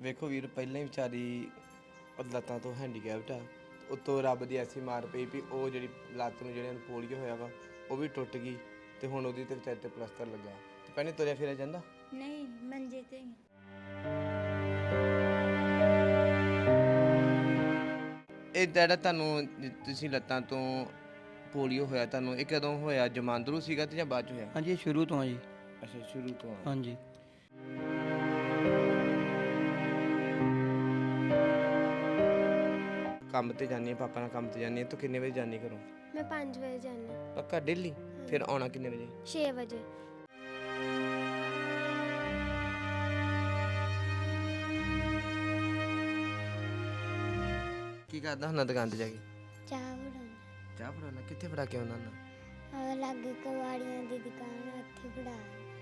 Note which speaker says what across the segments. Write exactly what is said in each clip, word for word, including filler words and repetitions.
Speaker 1: ਵੇਖੋ ਵੀਰ, ਪਹਿਲਾਂ ਹੀ ਵਿਚਾਰੀ ਲੱਤਾਂ ਤੋਂ ਹੈਂਡੀਕੈਪਟ ਆ, ਉੱਤੋਂ ਰੱਬ ਦੀ ਐਸੀ ਮਾਰ ਪਈ ਵੀ ਉਹ ਜਿਹੜੀ ਲੱਤ ਨੂੰ ਜਿਹੜੇ ਪੋਲੀਓ ਹੋਇਆ ਵਾ ਉਹ ਵੀ ਟੁੱਟ ਗਈ ਤੇ ਹੁਣ ਉਹਦੀ ਤੇ ਵਿਚਾਰੇ ਤੇ ਪਲਸਤਰ ਲੱਗਾ ਤੇ ਪਹਿਲੇ ਤੁਰਿਆ ਫਿਰਿਆ ਜਾਂਦਾ
Speaker 2: ਨਹੀਂ ਮੰਜੇ ਤੇ ਹੀ।
Speaker 1: ਇਹ ਜਿਹੜਾ ਤੁਹਾਨੂੰ ਤੁਸੀਂ ਲੱਤਾਂ ਤੋਂ ਪੋਲੀਓ ਹੋਇਆ ਤੁਹਾਨੂੰ ਇਹ ਕਦੋਂ ਹੋਇਆ? ਜਮਾਂਦਰੂ ਸੀਗਾ ਤੇ ਜਾਂ ਬਾਅਦ ਚ ਹੋਇਆ?
Speaker 3: ਹਾਂਜੀ ਇਹ ਸ਼ੁਰੂ ਤੋਂ ਆ ਜੀ।
Speaker 1: ਅੱਛਾ, ਸ਼ੁਰੂ ਤੋਂ ਆ।
Speaker 3: ਹਾਂਜੀ
Speaker 1: ਕੰਮ ਤੇ ਜਾਂਦੀ ਆ, ਪਾਪਾ ਨਾਲ ਕੰਮ ਤੇ ਜਾਂਦੀ ਆ। ਤੂੰ ਕਿੰਨੇ ਵਜੇ ਜਾਂਦੀ ਘਰੋਂ?
Speaker 4: ਮੈਂ ਪੰਜ ਵਜੇ ਜਾਣਾ।
Speaker 1: ਪੱਕਾ ਡੇਲੀ? ਫਿਰ ਆਉਣਾ ਕਿੰਨੇ ਵਜੇ?
Speaker 4: ਛੇ ਵਜੇ।
Speaker 1: ਕੀ ਕਰਦਾ ਹੁੰਦਾ ਦੁਕਾਨ ਤੇ ਜਾ ਕੇ?
Speaker 4: ਚਾਹ ਬਣਾਉਣਾ।
Speaker 1: ਚਾਹ ਫੜਾਉਣਾ? ਕਿੱਥੇ ਫੜਾ ਕੇ ਆਉਂਦਾ ਹੁੰਦਾ?
Speaker 4: ਆ ਲਾਗੇ ਕਵਾੜੀਆਂ ਦੀ ਦੁਕਾਨ ਆ, ਉੱਥੇ ਫੜਾ।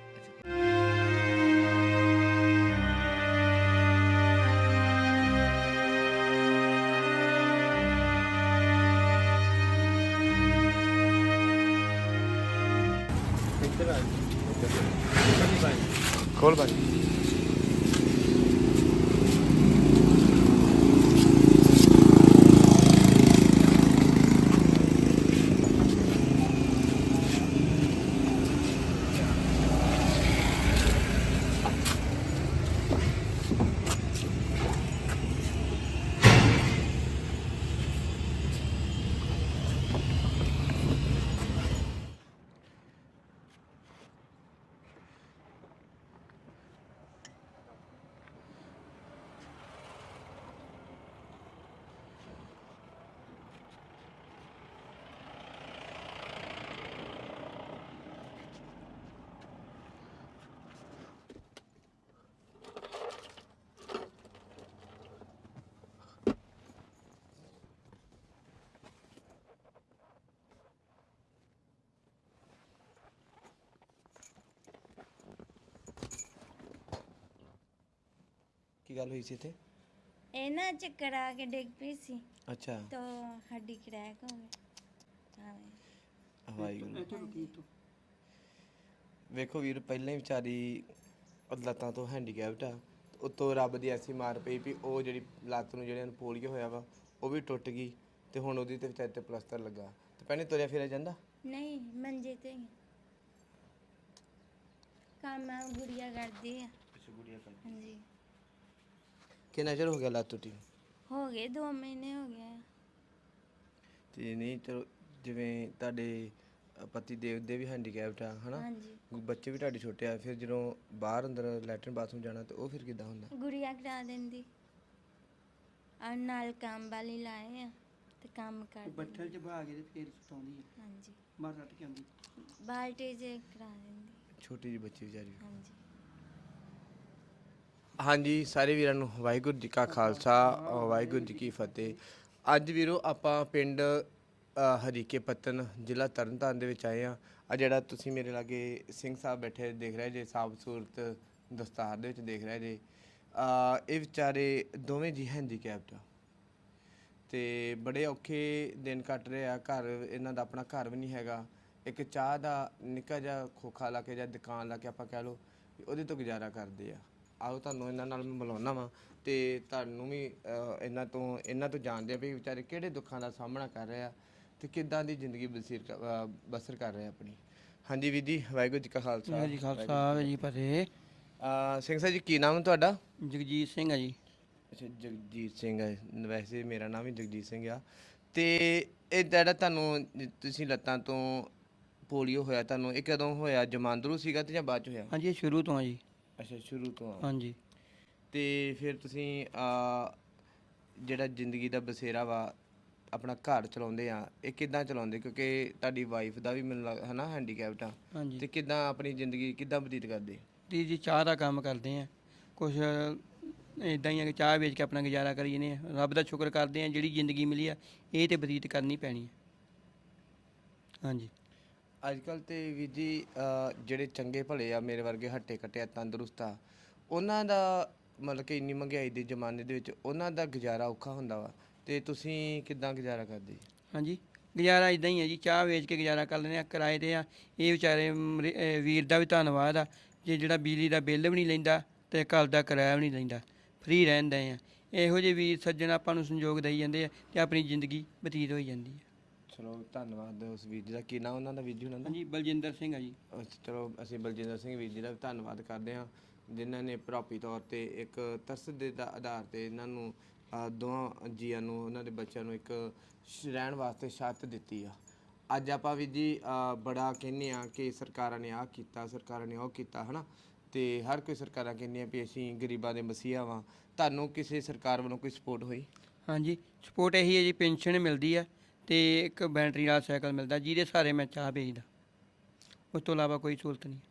Speaker 1: ਖੋਲ ਭਾਈ। ਕੀ ਗੱਲ ਹੋਈ ਸੀ ਇੱਥੇ?
Speaker 2: ਇਹ ਨਾ ਚੱਕਰ ਆ ਕੇ ਡਿੱਗ ਪਈ ਸੀ
Speaker 1: ਅੱਛਾ,
Speaker 2: ਤਾਂ ਹੱਡੀ ਕਰੈਕ ਹੋ ਗਈ। ਹਾਂ
Speaker 1: ਵਾਹਿਗੁਰੂ। ਵੇਖੋ ਵੀਰ, ਪਹਿਲਾਂ ਹੀ ਵਿਚਾਰੀ ਲੱਤਾਂ ਤੋਂ ਹੈਂਡੀਕੈਪਟ ਆ, ਉੱਤੋਂ ਰੱਬ ਦੀ ਐਸੀ ਮਾਰ ਪਈ ਵੀ ਉਹ ਜਿਹੜੀ ਲੱਤ ਨੂੰ ਜਿਹੜੇ ਪੋਲੀਓ ਹੋਇਆ ਵਾ ਉਹ ਵੀ ਟੁੱਟ ਗਈ ਤੇ ਹੁਣ ਉਹਦੀ ਤੇ ਵਿਚਾਰੇ ਤੇ ਪਲਸਤਰ ਲੱਗਾ ਤੇ ਪਹਿਲੇ ਤੁਰਿਆ ਫਿਰਿਆ ਜਾਂਦਾ
Speaker 2: ਨਹੀਂ ਮੰਜੇ ਤੇ ਹੀ। ਕੰਮ ਆ ਗੁੜੀਆ ਕਰਦੀ ਆ।
Speaker 1: ਅੱਛਾ, ਗੁੜੀਆ ਕਰ।
Speaker 2: ਹਾਂਜੀ
Speaker 1: ਕਿੰਨਾ ਚਿਰ ਹੋ ਗਿਆ ਲੱਤ ਟੁੱਟੀ?
Speaker 2: ਹੋ ਗਏ ਦੋ ਮਹੀਨੇ ਹੋ ਗਏ ਆ।
Speaker 1: ਤੇ ਨਹੀਂ ਚਲੋ, ਜਿਵੇਂ ਤੁਹਾਡੇ ਪਤੀ ਦੇਵ ਦੇ ਵੀ ਹੈਂਡੀਕੈਪਟ ਆ ਹਨਾ,
Speaker 2: ਹਾਂਜੀ
Speaker 1: ਬੱਚੇ ਵੀ ਤੁਹਾਡੇ ਛੋਟੇ ਆ, ਫਿਰ ਜਦੋਂ ਬਾਹਰ ਅੰਦਰ ਲੈਟਰਨ ਬਾਥਰੂਮ ਜਾਣਾ ਤੇ ਉਹ ਫਿਰ ਕਿੱਦਾਂ ਹੁੰਦਾ?
Speaker 2: ਗੁੜੀਆ ਕਰਾ ਦਿੰਦੀ ਆ, ਨਾਲ ਕੰਮ ਵਾਲੀ ਲਾਏ ਆ ਤੇ ਕੰਮ ਕਰ
Speaker 3: ਬੱਠਲ ਚ ਬਹਾ ਕੇ ਤੇ ਫੇਰ ਸੁਤਾਉਂਦੀ ਹੈ,
Speaker 2: ਹਾਂਜੀ
Speaker 3: ਬਾਹਰ ਰੱਟ ਕੇ ਆਉਂਦੀ।
Speaker 2: ਬਾਲਟੀ ਜੇ ਕਰਾ ਦਿੰਦੀ।
Speaker 1: ਛੋਟੀ ਜਿਹੀ ਬੱਚੀ ਵਿਚਾਰੀ।
Speaker 2: ਹਾਂਜੀ
Speaker 1: ਹਾਂਜੀ, ਸਾਰੇ ਵੀਰਾਂ ਨੂੰ ਵਾਹਿਗੁਰੂ ਜੀ ਕਾ ਖਾਲਸਾ, ਵਾਹਿਗੁਰੂ ਜੀ ਕੀ ਫਤਿਹ। ਅੱਜ ਵੀਰੋ ਆਪਾਂ ਪਿੰਡ ਅ, ਹਰੀਕੇ ਪੱਤਨ, ਜ਼ਿਲ੍ਹਾ ਤਰਨਤਾਰਨ ਦੇ ਵਿੱਚ ਆਏ ਆ। ਆ ਜਿਹੜਾ ਤੁਸੀਂ ਮੇਰੇ ਲਾਗੇ ਸਿੰਘ ਸਾਹਿਬ ਬੈਠੇ ਦੇਖ ਰਹੇ ਜੇ, ਸਾਬ ਸੂਰਤ ਦਸਤਾਰ ਦੇ ਵਿੱਚ ਦੇਖ ਰਹੇ ਜੇ, ਅ, ਇਹ ਵਿਚਾਰੇ ਦੋਵੇਂ ਜੀ ਹੈਂਡੀਕੈਪਟ ਆ ਤੇ ਬੜੇ ਔਖੇ ਦਿਨ ਕੱਟ ਰਹੇ ਆ। ਘਰ ਇਹਨਾਂ ਦਾ ਆਪਣਾ ਘਰ ਵੀ ਨਹੀਂ ਹੈਗਾ। ਇੱਕ ਚਾਹ ਦਾ ਨਿੱਕਾ ਜਿਹਾ ਖੋਖਾ ਲਾ ਕੇ ਜਾਂ ਦੁਕਾਨ ਲਾ ਕੇ ਆਪਾਂ ਕਹਿ ਲਓ ਵੀ ਉਹਦੇ ਤੋਂ ਗੁਜ਼ਾਰਾ ਕਰਦੇ ਆ। ਆਓ ਤੁਹਾਨੂੰ ਇਹਨਾਂ ਨਾਲ ਮੈਂ ਮਿਲਾਉਣਾ ਵਾ ਤੇ ਤੁਹਾਨੂੰ ਵੀ ਅ, ਇਹਨਾਂ ਤੋਂ ਇਹਨਾਂ ਤੋਂ ਜਾਣਦੇ ਆ ਵੀ ਵਿਚਾਰੇ ਕਿਹੜੇ ਦੁੱਖਾਂ ਦਾ ਸਾਹਮਣਾ ਕਰ ਰਹੇ ਆ ਤੇ ਕਿੱਦਾਂ ਦੀ ਜ਼ਿੰਦਗੀ ਬਸਰ ਕਰ- ਅ, ਬਸਰ ਕਰ ਰਹੇ ਆ ਆਪਣੀ। ਹਾਂਜੀ ਵੀਰ ਜੀ, ਵਾਹਿਗੁਰੂ ਜੀ ਕਾ ਖਾਲਸਾ।
Speaker 3: ਵਾਹਿਗੁਰੂ ਜੀ ਖਾਲਸਾ, ਵਾਹਿਗੁਰੂ ਜੀ ਫਤਿਹ।
Speaker 1: ਅ, ਸਿੰਘ ਸਾਹਿਬ ਜੀ, ਕੀ ਨਾਮ ਹੈ ਤੁਹਾਡਾ?
Speaker 3: ਜਗਜੀਤ ਸਿੰਘ ਆ ਜੀ।
Speaker 1: ਅੱਛਾ, ਜਗਜੀਤ ਸਿੰਘ ਹੈ। ਵੈਸੇ ਮੇਰਾ ਨਾਮ ਵੀ ਜਗਜੀਤ ਸਿੰਘ ਆ। ਤੇ ਇਹ ਜਿਹੜਾ ਤੁਹਾਨੂੰ ਤੁਸੀਂ ਲੱਤਾਂ ਤੋਂ ਪੋਲੀਓ ਹੋਇਆ ਤੁਹਾਨੂੰ ਇਹ ਕਦੋਂ ਹੋਇਆ? ਜਮਾਂਦਰੂ ਸੀਗਾ ਤੇ ਜਾਂ ਬਾਅਦ ਚ ਹੋਇਆ?
Speaker 3: ਹਾਂਜੀ ਇਹ ਸ਼ੁਰੂ ਤੋਂ ਆ ਜੀ।
Speaker 1: ਅੱਛਾ, ਸ਼ੁਰੂ ਤੋਂ ਆ।
Speaker 3: ਹਾਂਜੀ
Speaker 1: ਤੇ ਫਿਰ ਤੁਸੀਂ ਅ, ਜਿਹੜਾ ਜ਼ਿੰਦਗੀ ਦਾ ਬਸੇਰਾ ਵਾ ਆਪਣਾ ਘਰ ਚਲਾਉਂਦੇ ਆ, ਇਹ ਕਿੱਦਾਂ ਚਲਾਉਂਦੇ? ਕਿਉਂਕਿ ਤੁਹਾਡੀ ਵਾਈਫ ਦਾ ਵੀ ਮੈਨੂੰ ਲੱਗ ਹੈ ਨਾ ਹੈਂਡੀਕੈਪਟ ਆ,
Speaker 3: ਹਾਂਜੀ
Speaker 1: ਤੇ ਕਿੱਦਾਂ ਆਪਣੀ ਜ਼ਿੰਦਗੀ ਕਿੱਦਾਂ ਬਤੀਤ ਕਰਦੇ?
Speaker 3: ਦੀ ਜੀ ਚਾਹ ਦਾ ਕੰਮ ਕਰਦੇ ਆ, ਕੁਛ ਇਦਾਂ ਹੀ ਆ ਕਿ ਚਾਹ ਵੇਚ ਕੇ ਆਪਣਾ ਗੁਜ਼ਾਰਾ ਕਰੀ ਜਾਂਦੇ ਆ। ਰੱਬ ਦਾ ਸ਼ੁਕਰ ਕਰਦੇ ਆ, ਜਿਹੜੀ ਜ਼ਿੰਦਗੀ ਮਿਲੀ ਆ ਇਹ ਤੇ ਬਤੀਤ ਕਰਨੀ ਪੈਣੀ ਹੈ। ਹਾਂਜੀ
Speaker 1: ਅੱਜ ਕੱਲ੍ਹ ਤੇ ਵੀਰ ਜੀ ਅ, ਜਿਹੜੇ ਚੰਗੇ ਭਲੇ ਆ, ਮੇਰੇ ਵਰਗੇ ਹੱਟੇ ਕੱਟੇ ਆ, ਤੰਦਰੁਸਤ ਆ, ਉਹਨਾਂ ਦਾ ਮਤਲਬ ਕਿ ਇੰਨੀ ਮਹਿੰਗਾਈ ਦੇ ਜ਼ਮਾਨੇ ਦੇ ਵਿੱਚ ਉਹਨਾਂ ਦਾ ਗੁਜ਼ਾਰਾ ਔਖਾ ਹੁੰਦਾ ਵਾ, ਤੇ ਤੁਸੀਂ ਕਿੱਦਾਂ ਗੁਜ਼ਾਰਾ ਕਰਦੇ?
Speaker 3: ਹਾਂਜੀ ਗੁਜ਼ਾਰਾ ਇਦਾਂ ਹੀ ਹੈ ਜੀ, ਚਾਹ ਵੇਚ ਕੇ ਗੁਜ਼ਾਰਾ ਕਰ ਲੈਂਦੇ ਆ, ਕਿਰਾਏ 'ਤੇ ਆ। ਇਹ ਵਿਚਾਰੇ ਮਰੇ- ਅਹ ਵੀਰ ਦਾ ਵੀ ਧੰਨਵਾਦ ਆ ਜੇ ਜਿਹੜਾ ਬਿਜਲੀ ਦਾ ਬਿੱਲ ਵੀ ਨਹੀਂ ਲੈਂਦਾ ਅਤੇ ਘਰ ਦਾ ਕਿਰਾਇਆ ਵੀ ਨਹੀਂ ਲੈਂਦਾ। ਫ੍ਰੀ ਰਹਿੰਦੇ ਆ। ਇਹੋ ਜਿਹੇ ਵੀਰ ਸੱਜਣ ਆਪਾਂ ਨੂੰ ਸੰਯੋਗ ਦੇਈ ਜਾਂਦੇ ਆ ਤੇ ਆਪਣੀ ਜ਼ਿੰਦਗੀ ਬਤੀਤ ਹੋਈ ਜਾਂਦੀ ਹੈ।
Speaker 1: ਚਲੋ ਧੰਨਵਾਦ ਉਸ ਵੀਰ ਜੀ ਦਾ। ਕੀ ਨਾਂ ਉਹਨਾਂ ਦਾ ਵੀਰ ਜੀ ਉਹਨਾਂ ਦਾ?
Speaker 3: ਹਾਂਜੀ, ਬਲਜਿੰਦਰ ਸਿੰਘ ਆ ਜੀ।
Speaker 1: ਅੱਛਾ, ਚਲੋ ਅਸੀਂ ਬਲਜਿੰਦਰ ਸਿੰਘ ਵੀਰ ਜੀ ਦਾ ਵੀ ਧੰਨਵਾਦ ਕਰਦੇ ਹਾਂ, ਜਿਨ੍ਹਾਂ ਨੇ ਪ੍ਰੋਪੀ ਤੌਰ ਤੇ ਇੱਕ ਤਰਸ ਦੇ ਦਾ ਆਧਾਰ ਤੇ ਇਹਨਾਂ ਨੂੰ ਅ, ਦੋਵਾਂ ਜੀਆਂ ਨੂੰ, ਉਹਨਾਂ ਦੇ ਬੱਚਿਆਂ ਨੂੰ ਇੱਕ ਸ਼- ਰਹਿਣ ਵਾਸਤੇ ਛੱਤ ਦਿੱਤੀ ਆ। ਅੱਜ ਆਪਾਂ ਵੀ ਜੀ ਅ, ਬੜਾ ਕਹਿੰਦੇ ਆ ਕਿ ਸਰਕਾਰਾਂ ਨੇ ਆਹ ਕੀਤਾ, ਸਰਕਾਰਾਂ ਨੇ ਉਹ ਕੀਤਾ, ਹਨਾ, ਤੇ ਹਰ ਕੋਈ ਸਰਕਾਰਾਂ ਕਹਿੰਦੀਆਂ ਵੀ ਅਸੀਂ ਗਰੀਬਾਂ ਦੇ ਮਸੀਹਾ ਵਾਂ। ਤੁਹਾਨੂੰ ਕਿਸੇ ਸਰਕਾਰ ਵੱਲੋਂ ਕੋਈ ਸਪੋਰਟ ਹੋਈ?
Speaker 3: ਹਾਂਜੀ, ਸਪੋਰਟ ਇਹੀ ਹੈ ਜੀ, ਪੈਨਸ਼ਨ ਮਿਲਦੀ ਆ ਤੇ ਇੱਕ ਬੈਟਰੀ ਵਾਲਾ ਸਾਈਕਲ ਮਿਲਦਾ, ਜਿਹਦੇ ਸਹਾਰੇ ਮੈਂ ਚਾਹ ਵੇਚਦਾ। ਉਸ ਤੋਂ ਇਲਾਵਾ ਕੋਈ ਸਹੂਲਤ ਨਹੀਂ।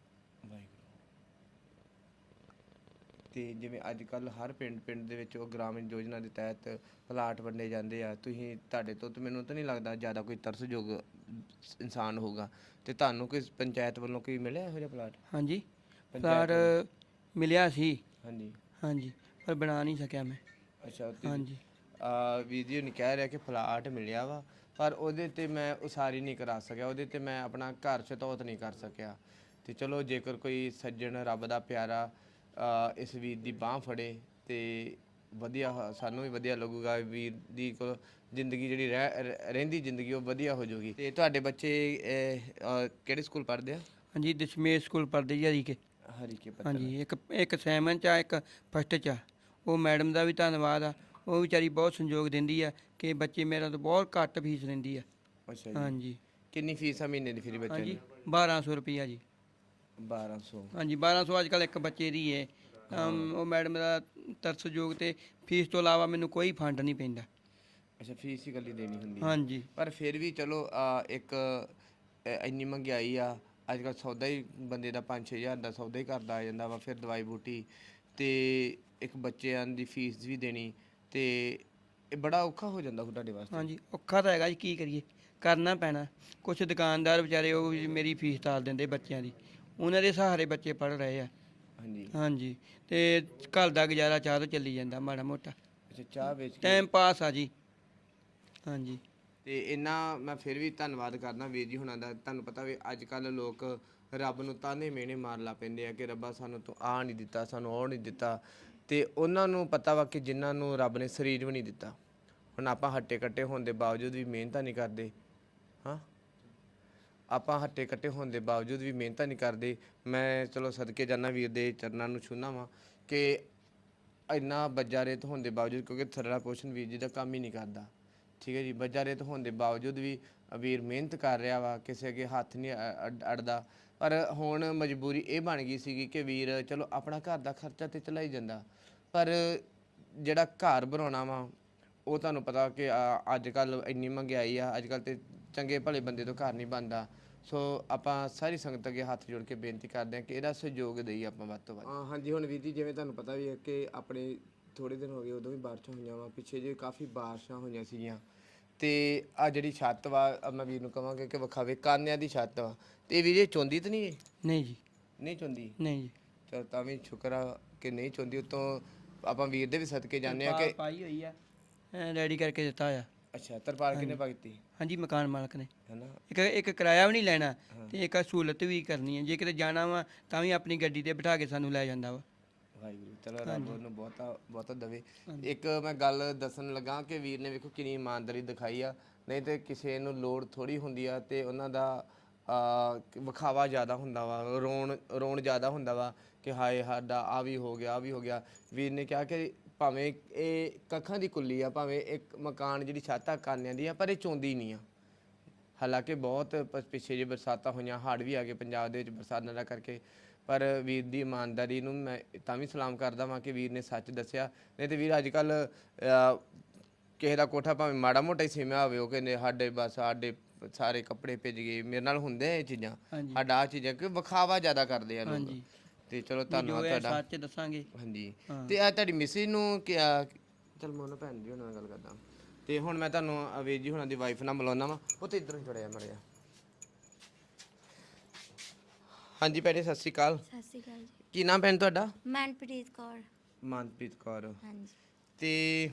Speaker 1: ਤੇ ਜਿਵੇਂ ਅੱਜ ਕੱਲ ਹਰ ਪਿੰਡ ਪਿੰਡ ਦੇ ਵਿੱਚ ਉਹ ਗ੍ਰਾਮੀਣ ਯੋਜਨਾ ਦੇ ਤਹਿਤ ਪਲਾਟ ਵੰਡੇ ਜਾਂਦੇ ਆ, ਤੁਸੀਂ ਤੁਹਾਡੇ ਤੋਂ ਤਾਂ ਮੈਨੂੰ ਤਾਂ ਨਹੀਂ ਲੱਗਦਾ ਜ਼ਿਆਦਾ ਕੋਈ ਤਰਸਯੋਗ ਇਨਸਾਨ ਹੋਊਗਾ, ਤੇ ਤੁਹਾਨੂੰ ਕੋਈ ਪੰਚਾਇਤ ਵੱਲੋਂ ਕੋਈ ਮਿਲਿਆ ਇਹੋ ਜਿਹਾ ਪਲਾਟ?
Speaker 3: ਹਾਂਜੀ,
Speaker 1: ਪੰਚਾਇਤ
Speaker 3: ਪਲਾਟ ਮਿਲਿਆ ਸੀ।
Speaker 1: ਹਾਂਜੀ।
Speaker 3: ਹਾਂਜੀ, ਪਰ ਬਣਾ ਨਹੀਂ ਸਕਿਆ ਮੈਂ।
Speaker 1: ਅੱਛਾ, ਤੇ
Speaker 3: ਹਾਂਜੀ,
Speaker 1: ਆ ਵੀਰ ਜੀ ਨਹੀਂ ਕਹਿ ਰਿਹਾ ਕਿ ਪਲਾਟ ਮਿਲਿਆ ਵਾ, ਪਰ ਉਹਦੇ ਤੇ ਮੈਂ ਉਸਾਰੀ ਨਹੀਂ ਕਰਾ ਸਕਿਆ, ਉਹਦੇ ਤੇ ਮੈਂ ਆਪਣਾ ਘਰ ਛਤੌਤ ਨਹੀਂ ਕਰ ਸਕਿਆ। ਤੇ ਚਲੋ ਜੇਕਰ ਕੋਈ ਸੱਜਣ ਰੱਬ ਦਾ ਪਿਆਰਾ ਆ, ਇਸ ਵੀਰ ਦੀ ਬਾਹ ਫੜੇ ਤੇ ਵਧੀਆ ਹ- ਸਾਨੂੰ ਵੀ ਵਧੀਆ ਲੱਗੂਗਾ। ਵੀਰ ਦੀ ਕੋਲ ਜ਼ਿੰਦਗੀ ਜਿਹੜੀ ਰਹਿ ਰ- ਰਹਿੰਦੀ ਜ਼ਿੰਦਗੀ ਉਹ ਵਧੀਆ ਹੋ ਜਾਊਗੀ। ਤੇ ਤੁਹਾਡੇ ਬੱਚੇ ਅਹ, ਅਹ, ਕਿਹੜੇ ਸਕੂਲ ਪੜ੍ਹਦੇ ਆ?
Speaker 3: ਹਾਂਜੀ, ਦਸ਼ਮੇਸ਼ ਸਕੂਲ ਪੜ੍ਹਦੇ ਜੀ ਹਰੀਕੇ।
Speaker 1: ਹਰੀਕੇ ਪੱਤਨ।
Speaker 3: ਹਾਂਜੀ, ਇੱਕ ਇੱਕ ਸੈਵਨ ਚ ਆ, ਇੱਕ ਫਸਟ ਚ ਆ। ਉਹ ਮੈਡਮ ਦਾ ਵੀ ਧੰਨਵਾਦ ਆ, ਉਹ ਵਿਚਾਰੀ ਬਹੁਤ ਸੰਯੋਗ ਦਿੰਦੀ ਆ ਕਿ ਬੱਚੇ ਮੇਰਾ ਤੋਂ ਬਹੁਤ ਘੱਟ ਫੀਸ ਲੈਂਦੀ ਆ।
Speaker 1: ਅੱਛਾ ਜੀ।
Speaker 3: ਹਾਂਜੀ
Speaker 1: ਕਿੰਨੀ ਫੀਸ ਆ ਮਹੀਨੇ ਦੀ ਫਿਰ ਬੱਚੇ
Speaker 3: ਹਾਂਜੀ,
Speaker 1: ਦੀ?
Speaker 3: ਬਾਰਾਂ ਸੌ ਰੁਪਈਆ ਜੀ।
Speaker 1: ਬਾਰਾਂ ਸੌ।
Speaker 3: ਹਾਂਜੀ, ਬਾਰਾਂ ਸੌ ਅੱਜ ਕੱਲ੍ਹ ਇੱਕ ਬੱਚੇ ਦੀ ਹੈ। ਅਮ, ਉਹ ਮੈਡਮ ਦਾ ਤਰਸਯੋਗ ਤੇ ਫੀਸ ਤੋਂ ਇਲਾਵਾ ਮੈਨੂੰ ਕੋਈ ਫੰਡ ਨਹੀਂ ਪੈਂਦਾ।
Speaker 1: ਅੱਛਾ, ਫੀਸ ਹੀ ਇਕੱਲੀ ਦੇਣੀ ਹੁੰਦੀ ਹੈ।
Speaker 3: ਹਾਂਜੀ
Speaker 1: ਪਰ ਫਿਰ ਵੀ ਚਲੋ ਆ, ਇੱਕ ਅ, ਇੰਨੀ ਮਹਿੰਗਾਈ ਆ ਅੱਜ ਕੱਲ੍ਹ, ਸੌਦਾ ਹੀ ਬੰਦੇ ਦਾ ਪੰਜ ਛੇ ਹਜ਼ਾਰ ਦਾ ਸੌਦਾ ਹੀ ਕਰਦਾ ਆ ਜਾਂਦਾ ਵਾ, ਫਿਰ ਦਵਾਈ ਬੂਟੀ ਤੇ ਇੱਕ ਬੱਚਿਆਂ ਦੀ ਫੀਸ ਵੀ ਦੇਣੀ, ਤੇ ਇਹ ਬੜਾ ਔਖਾ ਹੋ ਜਾਂਦਾ ਹੁਣ ਤੁਹਾਡੇ ਵਾਸਤੇ।
Speaker 3: ਹਾਂਜੀ, ਔਖਾ ਤਾਂ ਹੈਗਾ ਜੀ, ਕੀ ਕਰੀਏ, ਕਰਨਾ ਪੈਣਾ। ਕੁਛ ਦੁਕਾਨਦਾਰ ਵਿਚਾਰੇ ਉਹ ਵੀ ਮੇਰੀ ਫੀਸ ਤਾਲ ਦਿੰਦੇ ਬੱਚਿਆਂ ਦੀ, ਉਹਨਾਂ ਦੇ ਸਹਾਰੇ ਬੱਚੇ ਪੜ੍ਹ ਰਹੇ ਆ।
Speaker 1: ਹਾਂਜੀ।
Speaker 3: ਹਾਂਜੀ, ਤੇ ਘਰ ਦਾ ਗੁਜ਼ਾਰਾ ਚਾਹ ਤੋਂ ਚੱਲੀ ਜਾਂਦਾ ਮਾੜਾ ਮੋਟਾ,
Speaker 1: ਅੱਛਾ, ਚਾਹ ਵੇਚ ਕੇ।
Speaker 3: ਟਾਈਮ ਪਾਸ ਆ ਜੀ। ਹਾਂਜੀ
Speaker 1: ਤੇ ਇੰਨਾ ਮੈਂ ਫਿਰ ਵੀ ਧੰਨਵਾਦ ਕਰਦਾ ਵੀਰ ਜੀ ਹੁਣਾਂ ਦਾ। ਤੁਹਾਨੂੰ ਪਤਾ ਵੀ ਅੱਜ ਕੱਲ੍ਹ ਲੋਕ ਰੱਬ ਨੂੰ ਤਾਨੇ ਮਿਹਣੇ ਮਾਰਨ ਲੱਗ ਪੈਂਦੇ ਆ ਕਿ ਰੱਬਾ ਸਾਨੂੰ ਤੂੰ ਆਹ ਨਹੀਂ ਦਿੱਤਾ, ਸਾਨੂੰ ਉਹ ਨਹੀਂ ਦਿੱਤਾ, ਤੇ ਉਹਨਾਂ ਨੂੰ ਪਤਾ ਵਾ ਕਿ ਜਿਨ੍ਹਾਂ ਨੂੰ ਰੱਬ ਨੇ ਸਰੀਰ ਵੀ ਨਹੀਂ ਦਿੱਤਾ। ਹੁਣ ਆਪਾਂ ਹੱਟੇ ਕੱਟੇ ਹੋਣ ਦੇ ਬਾਵਜੂਦ ਵੀ ਮਿਹਨਤਾਂ ਨਹੀਂ ਕਰਦੇ, ਹਾਂ, ਆਪਾਂ ਹੱਟੇ ਕੱਟੇ ਹੋਣ ਦੇ ਬਾਵਜੂਦ ਵੀ ਮਿਹਨਤਾਂ ਨਹੀਂ ਕਰਦੇ। ਮੈਂ ਚਲੋ ਸਦਕੇ ਜਾਂਦਾ ਵੀਰ ਦੇ ਚਰਨਾਂ ਨੂੰ ਛੂਹਣਾ ਵਾਂ ਕਿ ਇੰਨਾ ਬੱਜਾ ਰੇਤ ਹੋਣ ਦੇ ਬਾਵਜੂਦ, ਕਿਉਂਕਿ ਥਰੜਾ ਪੋਸ਼ਨ ਵੀਰ ਜੀ ਦਾ ਕੰਮ ਹੀ ਨਹੀਂ ਕਰਦਾ, ਠੀਕ ਹੈ ਜੀ, ਬੱਜਾ ਰੇਤ ਹੋਣ ਦੇ ਬਾਵਜੂਦ ਵੀ ਵੀਰ ਮਿਹਨਤ ਕਰ ਰਿਹਾ ਵਾ, ਕਿਸੇ ਅੱਗੇ ਹੱਥ ਨਹੀਂ ਅ- ਅ- ਅੜਦਾ। ਪਰ ਹੁਣ ਮਜਬੂਰੀ ਇਹ ਬਣ ਗਈ ਸੀਗੀ ਕਿ ਵੀਰ ਚਲੋ ਆਪਣਾ ਘਰ ਦਾ ਖਰਚਾ ਤੇ ਚਲਾਈ ਜਾਂਦਾ, ਪਰ ਜਿਹੜਾ ਘਰ ਬਣਾਉਣਾ ਵਾ ਉਹ ਤੁਹਾਨੂੰ ਪਤਾ ਕਿ ਆ, ਅੱਜ ਕੱਲ੍ਹ ਇੰਨੀ ਮਹਿੰਗਾਈ ਆ, ਅੱਜ ਕੱਲ੍ਹ ਤੇ ਚੰਗੇ ਭਲੇ ਬੰਦੇ ਤੋਂ ਘਰ ਨਹੀਂ ਬਣਦਾ। ਸੋ ਆਪਾਂ ਸਾਰੀ ਸੰਗਤ ਅੱਗੇ ਹੱਥ ਜੋੜ ਕੇ ਬੇਨਤੀ ਕਰਦੇ ਹਾਂ ਕਿ ਇਹਦਾ ਸਹਿਯੋਗ ਦੇਈਏ ਆਪਾਂ ਵੱਧ ਤੋਂ ਵੱਧ। ਹਾਂਜੀ, ਹੁਣ ਵੀਰ ਜੀ ਜਿਵੇਂ ਤੁਹਾਨੂੰ ਪਤਾ ਵੀ ਹੈ ਕਿ ਆਪਣੇ ਥੋੜ੍ਹੇ ਦਿਨ ਹੋ ਗਏ ਉਦੋਂ ਵੀ ਬਾਰਿਸ਼ਾਂ ਹੋਈਆਂ ਵਾ, ਪਿੱਛੇ ਜੇ ਕਾਫੀ ਬਾਰਿਸ਼ਾਂ ਹੋਈਆਂ ਸੀਗੀਆਂ, ਤੇ ਆ ਜਿਹੜੀ ਛੱਤ ਵਾ ਆਹ ਮੈਂ ਵੀਰ ਨੂੰ ਕਹਾਂਗਾ ਕਿ ਵਿਖਾਵੇ, ਕਾਨਿਆਂ ਦੀ ਛੱਤ ਵਾ, ਤੇ ਇਹ ਵੀਰ ਇਹ ਚੌਂਦੀ ਤਾਂ ਨਹੀਂ? ਇਹ
Speaker 3: ਨਹੀਂ ਜੀ,
Speaker 1: ਨਹੀਂ ਚੌਂਦੀ?
Speaker 3: ਨਹੀਂ ਜੀ,
Speaker 1: ਚਲ ਤਾਂ ਵੀ ਸ਼ੁਕਰ ਆ ਕਿ ਨਹੀਂ ਚੌਂਦੀ। ਉੱਤੋਂ ਆਪਾਂ ਵੀਰ ਦੇ ਵੀ ਸਦਕੇ ਜਾਂਦੇ ਆ
Speaker 3: ਤਰਪਾਲ
Speaker 1: ਕਿ
Speaker 3: ਪਾਈ ਹੋਈ ਆ, ਰੈਡੀ ਕਰਕੇ ਦਿੱਤਾ ਆ।
Speaker 1: ਅੱਛਾ, ਤਰਪਾਲ ਕਿੰਨੇ ਪਾ ਕੀਤੀ
Speaker 3: ਹਾਂਜੀ, ਮਕਾਨ ਮਾਲਕ ਨੇ।
Speaker 1: ਹੈ ਨਾ?
Speaker 3: ਇੱਕ ਇੱਕ ਕਿਰਾਇਆ ਵੀ ਨਹੀਂ ਲੈਣਾ ਤੇ ਇੱਕ ਸਹੂਲਤ ਵੀ ਕਰਨੀ ਹੈ। ਜੇ ਕਿਤੇ ਜਾਣਾ ਵਾ ਤਾਂ ਵੀ ਆਪਣੀ ਗੱਡੀ ਤੇ ਬਿਠਾ ਕੇ ਸਾਨੂੰ ਲੈ ਜਾਂਦਾ ਵਾ।
Speaker 1: ਵਾਹਿਗੁਰੂ, ਚਲੋ ਰੱਬ ਉਹਨੂੰ ਬਹੁਤਾ ਬਹੁਤਾ ਦੇਵੇ। ਇੱਕ ਮੈਂ ਗੱਲ ਦੱਸਣ ਲੱਗਾ ਕਿ ਵੀਰ ਨੇ ਵੇਖੋ ਕਿੰਨੀ ਇਮਾਨਦਾਰੀ ਦਿਖਾਈ ਆ, ਨਹੀਂ ਤੇ ਕਿਸੇ ਨੂੰ ਲੋੜ ਥੋੜੀ ਹੁੰਦੀ ਆ ਤੇ ਉਹਨਾਂ ਦਾ ਆ, ਵਿਖਾਵਾ ਜ਼ਿਆਦਾ ਹੁੰਦਾ ਵਾ, ਰੋਣ ਰੋਣ ਜ਼ਿਆਦਾ ਹੁੰਦਾ ਵਾ ਕਿ ਹਾਏ ਸਾਡਾ ਆ ਵੀ ਹੋ ਗਿਆ, ਆ ਵੀ ਹੋ ਗਿਆ। ਵੀਰ ਨੇ ਕਿਹਾ ਕਿ ਭਾਵੇਂ ਇਹ ਕੱਖਾਂ ਦੀ ਕੁੱਲੀ ਆ, ਭਾਵੇਂ ਇੱਕ ਮਕਾਨ ਜਿਹੜੀ ਛੱਤ ਆ ਕਾਨਿਆਂ ਦੀ ਆ, ਪਰ ਇਹ ਚੌਂਦੀ ਨਹੀਂ ਆ। ਹਾਲਾਂਕਿ ਬਹੁਤ ਪ- ਪਿੱਛੇ ਜੇ ਬਰਸਾਤਾਂ ਹੋਈਆਂ, ਹੜ੍ਹ ਵੀ ਆ ਗਏ ਪੰਜਾਬ ਦੇ ਵਿੱਚ ਬਰਸਾਤਾਂ ਦਾ ਕਰਕੇ, ਪਰ ਵੀਰ ਦੀ ਇਮਾਨਦਾਰੀ ਨੂੰ ਮੈਂ ਤਾਂ ਵੀ ਸਲਾਮ ਕਰਦਾ ਵਾਂ ਕਿ ਵੀਰ ਨੇ ਸੱਚ ਦੱਸਿਆ। ਨਹੀਂ ਤੇ ਵੀਰ ਅੱਜ ਕੱਲ੍ਹ ਕਿਸੇ ਦਾ ਕੋਠਾ ਭਾਵੇਂ ਮਾੜਾ ਮੋਟਾ ਹੀ ਸਿਮਿਆ ਹੋਵੇ, ਉਹ ਕਹਿੰਦੇ ਸਾਡੇ ਬਸ ਸਾਡੇ ਸਾਰੇ ਕੱਪੜੇ ਭਿੱਜ ਗਏ। ਮੇਰੇ ਨਾਲ ਹੁੰਦੇ ਆ ਇਹ ਚੀਜ਼ਾਂ,
Speaker 3: ਹਾਂਜੀ
Speaker 1: ਸਾਡਾ ਆਹ ਚੀਜ਼ਾਂ ਕਿ ਵਿਖਾਵਾ ਜ਼ਿਆਦਾ ਕਰਦੇ ਆ ਲੋਕ।
Speaker 3: ਹਾਂਜੀ,
Speaker 1: ਤੇ ਚਲੋ
Speaker 3: ਜੋ
Speaker 1: ਧੰਨਵਾਦ
Speaker 3: ਹੈ
Speaker 1: ਤੁਹਾਡਾ।
Speaker 3: ਸੱਚ ਦੱਸਾਂਗੇ।
Speaker 1: ਹਾਂਜੀ,
Speaker 3: ਹਾਂ।
Speaker 1: ਤੇ ਆ ਤੁਹਾਡੀ ਮਿਸਿਸ ਨੂੰ ਕਿਹਾ, ਚਲ ਮੈਂ ਉਹਨਾਂ ਭੈਣ ਜੀ ਉਹਨਾਂ ਨਾਲ ਗੱਲ ਕਰਦਾ। ਤੇ ਹੁਣ ਮੈਂ ਤੁਹਾਨੂੰ ਅ, ਵੀਰ ਜੀ ਹੁਣਾਂ ਦੀ ਵਾਈਫ ਨਾਲ ਮਿਲਾਉਣਾ ਵਾ, ਉਹ ਤੇ ਇੱਧਰੋਂ ਹੀ ਥੋੜ੍ਹਾ ਜਿਹਾ ਮੜਿਆ। ਹਾਂਜੀ ਭੈਣੇ, ਸਤਿ ਸ਼੍ਰੀ ਅਕਾਲ।
Speaker 2: ਸਤਿ ਸ਼੍ਰੀ ਅਕਾਲ ਜੀ।
Speaker 1: ਕੀ ਨਾਮ ਭੈਣ ਤੁਹਾਡਾ?
Speaker 2: ਮਨਪ੍ਰੀਤ ਕੌਰ।
Speaker 1: ਮਨਪ੍ਰੀਤ ਕੌਰ।
Speaker 2: ਹਾਂਜੀ।
Speaker 1: ਤੇ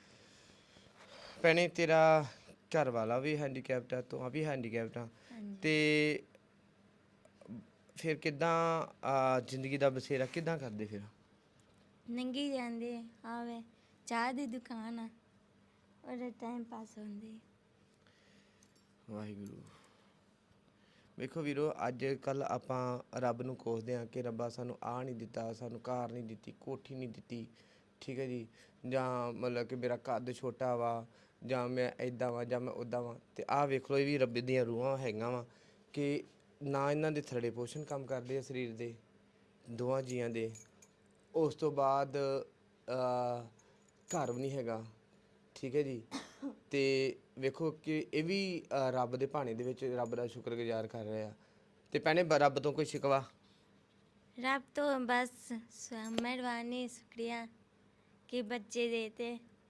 Speaker 1: ਭੈਣੇ ਤੇਰਾ ਘਰ ਵਾਲਾ ਵੀ ਹੈਂਡੀਕੈਪਟ ਆ, ਤੂੰ ਆ ਵੀ ਹੈਂਡੀਕੈਪਟ ਆ,
Speaker 2: ਹਾਂਜੀ।
Speaker 1: ਤੇ ਫਿਰ ਕਿੱਦਾਂ ਆ, ਜ਼ਿੰਦਗੀ ਦਾ ਬਸੇਰਾ ਕਿੱਦਾਂ ਕਰਦੇ ਫਿਰ?
Speaker 2: ਨੰਗੀ ਜਾਂਦੇ ਆਵੇ ਚਾਹ ਦੀ ਦੁਕਾਨ ਆ ਉਹਦਾ ਟਾਈਮ ਪਾਸ ਹੁੰਦੀ
Speaker 1: ਵਾਹਿਗੁਰੂ। ਵੇਖੋ ਵੀਰੋ, ਅੱਜ ਕੱਲ ਆਪਾਂ ਰੱਬ ਨੂੰ ਕੋਸਦੇ ਹਾਂ ਕਿ ਰੱਬਾ ਸਾਨੂੰ ਆਹ ਨਹੀਂ ਦਿੱਤਾ, ਸਾਨੂੰ ਕਾਰ ਨਹੀਂ ਦਿੱਤੀ, ਕੋਠੀ ਨਹੀਂ ਦਿੱਤੀ, ਠੀਕ ਹੈ ਜੀ, ਜਾਂ ਮਤਲਬ ਕਿ ਮੇਰਾ ਕੱਦ ਛੋਟਾ ਵਾ, ਜਾਂ ਮੈਂ ਇੱਦਾਂ ਵਾਂ ਜਾਂ ਮੈਂ ਉੱਦਾਂ ਵਾਂ। ਅਤੇ ਆਹ ਵੇਖ ਲਓ, ਇਹ ਵੀ ਰੱਬ ਦੀਆਂ ਰੂਹਾਂ ਹੈਗੀਆਂ ਵਾ ਕਿ ਨਾ ਇਹਨਾਂ ਦੇ ਥਰੜੇ ਪੋਸ਼ਣ ਕੰਮ ਕਰਦੇ ਆ ਸਰੀਰ ਦੇ ਦੋਵਾਂ ਜੀਆਂ ਦੇ। ਉਸ ਤੋਂ ਬਾਅਦ ਅਹ, ਘਰ ਵੀ ਨਹੀਂ ਹੈਗਾ, ਠੀਕ ਹੈ ਜੀ। ਅਤੇ ਵੇਖੋ ਕਿ ਇਹ ਵੀ ਅਹ, ਰੱਬ ਦੇ ਭਾਣੇ ਦੇ ਵਿੱਚ ਰੱਬ ਦਾ ਸ਼ੁਕਰਗੁਜ਼ਾਰ ਕਰ ਰਹੇ ਆ। ਅਤੇ ਭੈਣੇ ਬ- ਰੱਬ ਤੋਂ ਕੋਈ ਸ਼ਿਕਵਾ?
Speaker 2: रब तो बस स- मेहरबानी शुक्रिया कि बच्चे देते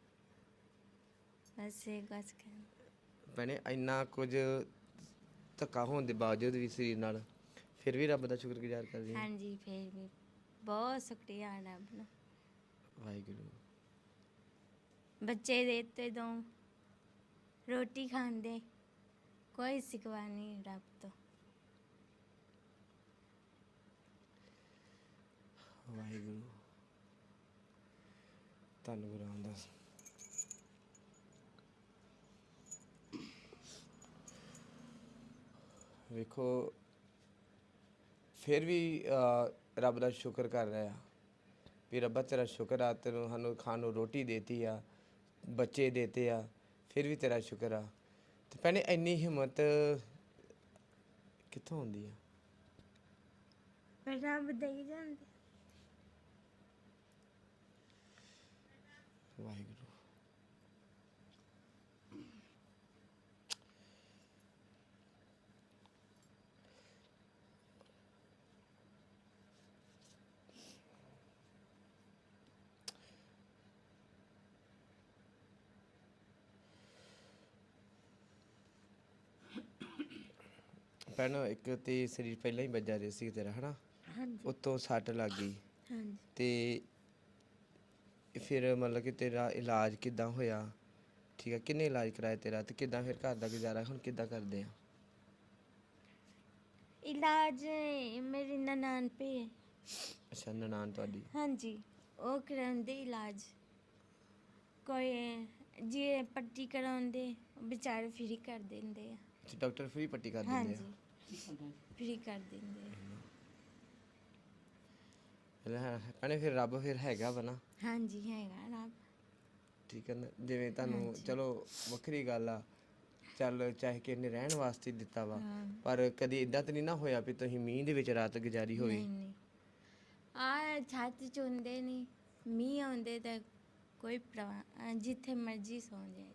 Speaker 2: बस ये बस कर-
Speaker 1: ਭੈਣੇ ਇੰਨਾ ਕੁਝ ਧੱਕਾ ਹੋਣ ਦੇ ਬਾਵਜੂਦ ਵੀ ਸਰੀਰ ਨਾਲ ਫਿਰ ਵੀ ਰੱਬ ਦਾ ਸ਼ੁਕਰਗੁਜ਼ਾਰ ਕਰਦੀ ਹਾਂ।
Speaker 2: हाँ जी फिर भी बहुत शुक्रिया रब नु
Speaker 1: ਵਾਹਿਗੁਰੂ।
Speaker 2: बच्चे देते दो रोटी खाते कोई सिकवा नहीं रब तो
Speaker 1: ਵਾਹਿਗੁਰੂ। ਧੰਨ ਗੁਰੂ ਰਾਮਦਾਸ। ਵੇਖੋ ਫਿਰ ਵੀ ਅਹ, ਰੱਬ ਦਾ ਸ਼ੁਕਰ ਕਰ ਰਿਹਾ ਵੀ ਰੱਬਾ ਤੇਰਾ ਸ਼ੁਕਰ ਆ, ਤੈਨੂੰ ਸਾਨੂੰ ਖਾਣ ਨੂੰ ਰੋਟੀ ਦੇਤੀ ਆ, ਬੱਚੇ ਦੇਤੇ ਆ, ਫਿਰ ਵੀ ਤੇਰਾ ਸ਼ੁਕਰ ਆ। ਤੇ ਭੈਣੇ ਇੰਨੀ ਹਿੰਮਤ ਕਿੱਥੋਂ ਆਉਂਦੀ ਆ?
Speaker 2: रब दे ही जाते
Speaker 1: ਵਾਹਿਗੁਰੂ। ਭੈਣ ਇੱਕ ਤੇ ਸਰੀਰ ਪਹਿਲਾਂ ਹੀ ਵੱਜਾ ਰਿਹਾ ਸੀ ਤੇਰਾ, ਹਨਾ?
Speaker 2: हाँ जी
Speaker 1: ਉੱਤੋਂ ਸੱਟ ਲੱਗ ਗਈ
Speaker 2: हाँ जी
Speaker 1: ਤੇ ਫਿਰ ਮਤਲਬ ਕਿ ਤੇਰਾ ਇਲਾਜ ਕਿੱਦਾਂ ਹੋਇਆ? ਠੀਕ ਹੈ, ਕਿੰਨੇ ਇਲਾਜ ਕਰਾਇਆ ਤੇਰਾ ਤੇ ਕਿੱਦਾਂ ਫਿਰ ਘਰ ਦਾ ਗੁਜ਼ਾਰਾ ਹੁਣ ਕਿੱਦਾਂ ਕਰਦੇ ਆ?
Speaker 2: इलाज मेरी ननान पे है
Speaker 1: ਅੱਛਾ, ਨਨਾਣ ਤੁਹਾਡੀ?
Speaker 2: हाँ जी वो करांदे इलाज कोई जे पट्टी करांदे बेचारे फ्री कर देंदे आ।
Speaker 1: ਅੱਛਾ, ਡਾਕਟਰ ਫ੍ਰੀ ਪੱਟੀ ਕਰ
Speaker 2: हाँ
Speaker 1: ਦਿੰਦੇ
Speaker 2: जी फ्री कर देंदे आ।
Speaker 1: ਆ ਲੈ ਭੈਣੇ, ਫਿਰ ਰੱਬ ਫਿਰ ਹੈਗਾ ਵਾ ਨਾ?
Speaker 2: हाँ जी हैगा रब
Speaker 1: ਠੀਕ ਹੈ ਨਾ, ਜਿਵੇਂ ਤੁਹਾਨੂੰ
Speaker 2: ਹਾਂਜੀ।
Speaker 1: ਚਲੋ ਵੱਖਰੀ ਗੱਲ ਆ, ਚੱਲ ਚਾਹੇ ਕਿਸੇ ਨੇ ਰਹਿਣ ਵਾਸਤੇ ਦਿੱਤਾ ਵਾ,
Speaker 2: हाँ
Speaker 1: ਪਰ ਕਦੀ ਇਦਾਂ ਤਾਂ ਨਹੀਂ ਨਾ ਹੋਇਆ ਵੀ ਤੁਸੀਂ ਮੀਂਹ ਦੇ ਵਿੱਚ ਰਾਤ ਗੁਜ਼ਾਰੀ ਹੋਵੇ?
Speaker 2: नहीं नहीं आ छत च होंदे नहीं मींह आंदे ते कोई परवाह जिथे मर्जी सौ जाए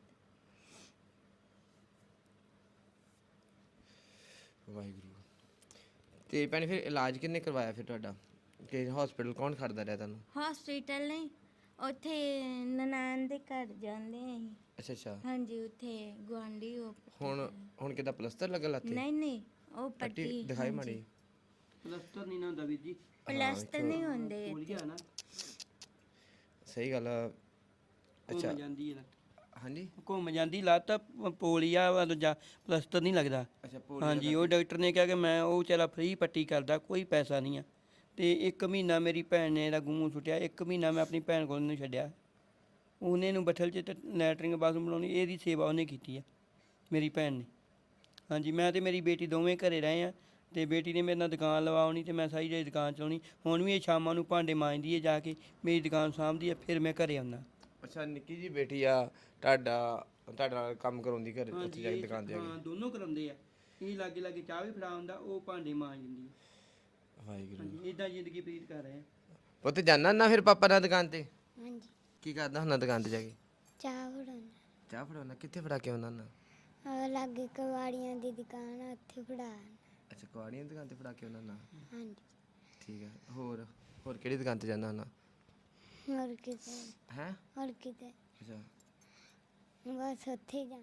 Speaker 1: ਵਾਹਿਗੁਰੂ। ਤੇ ਭੈਣੇ ਫਿਰ ਇਲਾਜ ਕਿੰਨੇ ਕਰਵਾਇਆ ਫਿਰ ਤੁਹਾਡਾ? ਕਿ ਹਸਪੀਟਲ ਕੌਣ ਖੜਦਾ ਰਿਹਾ ਤੁਹਾਨੂੰ?
Speaker 2: हॉस्पिटल नहीं ਉੱਥੇ ਨਨਾਣ ਦੇ ਘਰ ਜਾਂਦੇ ਆਂ
Speaker 1: ਅੱਛਾ
Speaker 2: ਅਸੀਂ।
Speaker 1: ਅੱਛਾ।
Speaker 2: ਹਾਂਜੀ ਉੱਥੇ ਗੁਆਂਢੀ ਉਹ ਪੱਟੀ
Speaker 1: ਹੁਣ
Speaker 2: ਕਰਾਉਣ।
Speaker 1: ਹੁਣ ਕਿੱਦਾਂ ਪਲਸਤਰ ਲੱਗਾ ਲੱਤੇ?
Speaker 2: ਨਹੀਂ ਨਹੀਂ ਉਹ
Speaker 1: ਪੱਟੀ
Speaker 2: ਪੱਟੀ
Speaker 1: ਦਿਖਾਈ
Speaker 2: ਹਾਂਜੀ।
Speaker 1: ਮਾੜੀ।
Speaker 3: ਪਲਸਤਰ ਨਹੀਂ ਨਾ ਹੁੰਦਾ ਵੀਰ ਜੀ,
Speaker 2: ਪਲਸਤਰ ਨਹੀਂ ਹੁੰਦੇ
Speaker 3: ਭੁੱਲ ਗਿਆ ਨਾ,
Speaker 1: ਸਹੀ ਗੱਲ ਆ। ਅੱਛਾ
Speaker 3: ਘੁੰਮ ਜਾਂਦੀ ਹੈ ਨਾ,
Speaker 1: ਹਾਂਜੀ।
Speaker 3: ਘੁੰਮ ਜਾਂਦੀ ਲੱਤ, ਪੋਲੀਆ ਵਾ ਦੂਜਾ, ਪਲਸਤਰ ਨਹੀਂ ਲੱਗਦਾ।
Speaker 1: ਅੱਛਾ, ਪੋਲੀਓ
Speaker 3: ਹਾਂਜੀ, ਉਹ ਡਾਕਟਰ ਨੇ ਕਿਹਾ ਕਿ ਮੈਂ ਉਹ ਵਿਚਾਰਾ ਫ੍ਰੀ ਪੱਟੀ ਕਰਦਾ, ਕੋਈ ਪੈਸਾ ਨਹੀਂ ਆ। ਤੇ ਇੱਕ ਮਹੀਨਾ ਮੇਰੀ ਭੈਣ ਨੇ ਇਹਦਾ ਗੂੰ ਸੁੱਟਿਆ, ਇੱਕ ਮਹੀਨਾ ਮੈਂ ਆਪਣੀ ਭੈਣ ਕੋਲ ਨੂੰ ਛੱਡਿਆ। ਉਹਨੇ ਨੂੰ ਬੱਠਲ 'ਚ ਤੇ ਲੈਟਰਿੰਗ ਬਾਥਰੂਮ ਬਣਾਉਣੀ, ਇਹਦੀ ਸੇਵਾ ਉਹਨੇ ਕੀਤੀ ਆ ਮੇਰੀ ਭੈਣ ਨੇ। ਹਾਂਜੀ, ਮੈਂ ਤੇ ਮੇਰੀ ਬੇਟੀ ਦੋਵੇਂ ਘਰੇ ਰਹੇ ਆ, ਤੇ ਬੇਟੀ ਨੇ ਮੇਰੇ ਨਾਲ ਦੁਕਾਨ ਲਵਾਉਣੀ ਤੇ ਮੈਂ ਸਾਰੀ ਜਿਹੜੀ ਦੁਕਾਨ ਚਲਾਉਣੀ। ਹੁਣ ਵੀ ਇਹ ਸ਼ਾਮਾਂ ਨੂੰ ਭਾਂਡੇ ਮਾਂਜਦੀ ਹੈ ਜਾ ਕੇ, ਮੇਰੀ ਦੁਕਾਨ ਸਾਂਭਦੀ ਹੈ, ਫਿਰ ਮੈਂ ਘਰੇ ਆਉਂਦਾ।
Speaker 1: ਅੱਛਾ, ਨਿੱਕੀ ਜੀ ਬੇਟੀ ਆ ਤੁਹਾਡਾ, ਤੁਹਾਡਾ ਨਾਲ ਕੰਮ ਕਰਾਉਂਦੀ ਘਰ ਉੱਥੇ
Speaker 3: ਹਾਂਜੀ,
Speaker 1: ਜਾ ਕੇ
Speaker 3: ਇਹ
Speaker 1: ਦੁਕਾਨ ਤੇ ਜਾ
Speaker 3: ਹਾਂ
Speaker 1: ਕੇ?
Speaker 3: ਦੋਨੋਂ ਕਰਾਉਂਦੇ ਆ। ਇਹ ਲਾਗੇ ਲਾਗੇ ਚਾਹ ਵੀ ਫੜਾ ਹੁੰਦਾ, ਉਹ ਭਾਂਡੇ ਮਾਂਜ ਦਿੰਦੀ ਹੈ।
Speaker 1: ਵਾਹਿਗੁਰੂ।
Speaker 3: ਹਾਂਜੀ, ਇਦਾਂ ਜ਼ਿੰਦਗੀ ਬਤੀਤ ਕਰ ਰਹੇ ਆ।
Speaker 1: ਪੁੱਤ ਜਾਣਾ ਨਾ ਫਿਰ ਪਾਪਾ ਨਾਲ ਦੁਕਾਨ ਤੇ?
Speaker 4: ਹਾਂਜੀ
Speaker 1: ਕੀ ਕਰਦਾ ਹੁੰਦਾ ਦੁਕਾਨ ਤੇ ਜਾ ਕੇ?
Speaker 4: ਚਾਹ ਫੜਾਉਣਾ
Speaker 1: ਚਾਹ ਫੜਾਉਣਾ? ਕਿੱਥੇ ਫੜਾ ਕੇ ਆਉਂਦਾ ਹੁੰਦਾ?
Speaker 4: ਆ ਲਾਗੇ ਕਵਾੜੀਆਂ ਦੀ ਦੁਕਾਨ ਆ ਉੱਥੇ ਫੜਾ ਆਉਣਾ।
Speaker 1: ਅੱਛਾ, ਕੁਆੜੀਆਂ ਦੀ ਦੁਕਾਨ ਤੇ ਫੜਾ ਕੇ ਆਉਂਦਾ ਹੁੰਦਾ?
Speaker 4: ਹਾਂਜੀ
Speaker 1: ਠੀਕ ਹੈ। ਹੋਰ ਹੋਰ ਕਿਹੜੀ ਦੁਕਾਨ ਤੇ ਜਾਂਦਾ ਹੁੰਦਾ?
Speaker 4: ਹੋਰ ਕਿਤੇ
Speaker 1: ਹੈ?
Speaker 4: ਹੋਰ ਕਿਤੇ
Speaker 1: ਅੱਛਾ।
Speaker 4: ਬਸ ਉੱਥੇ ਹੀ ਜਾਣਾ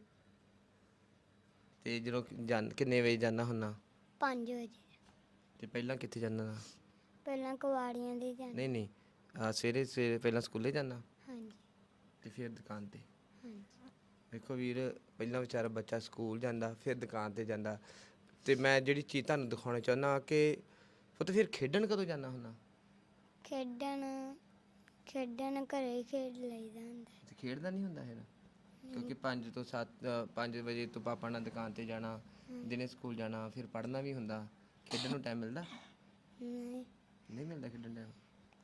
Speaker 1: ਤੇ ਜਦੋਂ ਜਾਂ ਕਿੰਨੇ ਵਜੇ ਜਾਂਦਾ ਹੁੰਦਾ?
Speaker 4: ਪੰਜ ਵਜੇ
Speaker 1: ਤੇ ਪਹਿਲਾਂ ਕਿੱਥੇ ਜਾਂਦਾ ਹੁੰਦਾ?
Speaker 4: ਪਹਿਲਾਂ ਕਵਾੜੀਆਂ ਦੇ ਜਾਣਾ।
Speaker 1: ਨਹੀਂ ਨਹੀਂ ਆਹ ਸਵੇਰੇ ਸਵੇਰੇ ਪਹਿਲਾਂ ਸਕੂਲੇ ਜਾਂਦਾ
Speaker 4: ਹਾਂਜੀ
Speaker 1: ਤੇ ਫਿਰ ਦੁਕਾਨ ਤੇ?
Speaker 4: ਹਾਂਜੀ
Speaker 1: ਵੇਖੋ ਵੀਰ, ਪਹਿਲਾਂ ਵਿਚਾਰਾ ਬੱਚਾ ਸਕੂਲ ਜਾਂਦਾ, ਫਿਰ ਦੁਕਾਨ ਤੇ ਜਾਂਦਾ। ਤੇ ਮੈਂ ਜਿਹੜੀ ਚੀਜ਼ ਤੁਹਾਨੂੰ ਦਿਖਾਉਣਾ ਚਾਹੁੰਦਾ ਕਿ ਪੁੱਤ ਫਿਰ ਖੇਡਣ ਕਦੋਂ ਜਾਂਦਾ ਹੁੰਦਾ?
Speaker 4: ਖੇਡਣ ਖੇਡਣ ਘਰੇ ਹੀ ਖੇਡ ਲਈਦਾ ਹੁੰਦਾ
Speaker 1: ਤੇ ਖੇਡਦਾ ਨਹੀਂ ਹੁੰਦਾ ਫਿਰ ਕਿਉਂਕਿ ਪੰਜ ਤੋਂ ਸੱਤ ਪੰਜ ਵਜੇ ਤੋਂ ਪਾਪਾ ਨਾਲ ਦੁਕਾਨ ਤੇ ਜਾਣਾ, ਦਿਨੇ ਸਕੂਲ ਜਾਣਾ, ਫਿਰ ਪੜ੍ਹਨਾ ਵੀ ਹੁੰਦਾ। ਖੇਡਣ ਨੂੰ ਟਾਈਮ ਮਿਲਦਾ
Speaker 4: ਨਹੀਂ
Speaker 1: ਨਹੀਂ ਮਿਲਦਾ ਖੇਡਣ ਟਾਈਮ।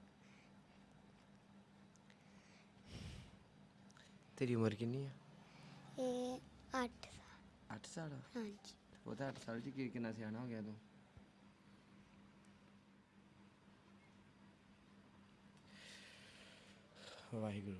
Speaker 1: ਤੇਰੀ ਉਮਰ ਕਿੰਨੀ ਆ?
Speaker 4: ਇਹ ਅੱਠ ਸਾਲ
Speaker 1: ਅੱਠ ਸਾਲ ਆ?
Speaker 4: ਹਾਂਜੀ
Speaker 1: ਉਹ ਤਾਂ ਅੱਠ ਸਾਲ 'ਚ ਕੀ ਕਿੰਨਾ ਸਿਆਣਾ ਹੋ ਗਿਆ ਤੂੰ। ਵਾਹਿਗੁਰੂ।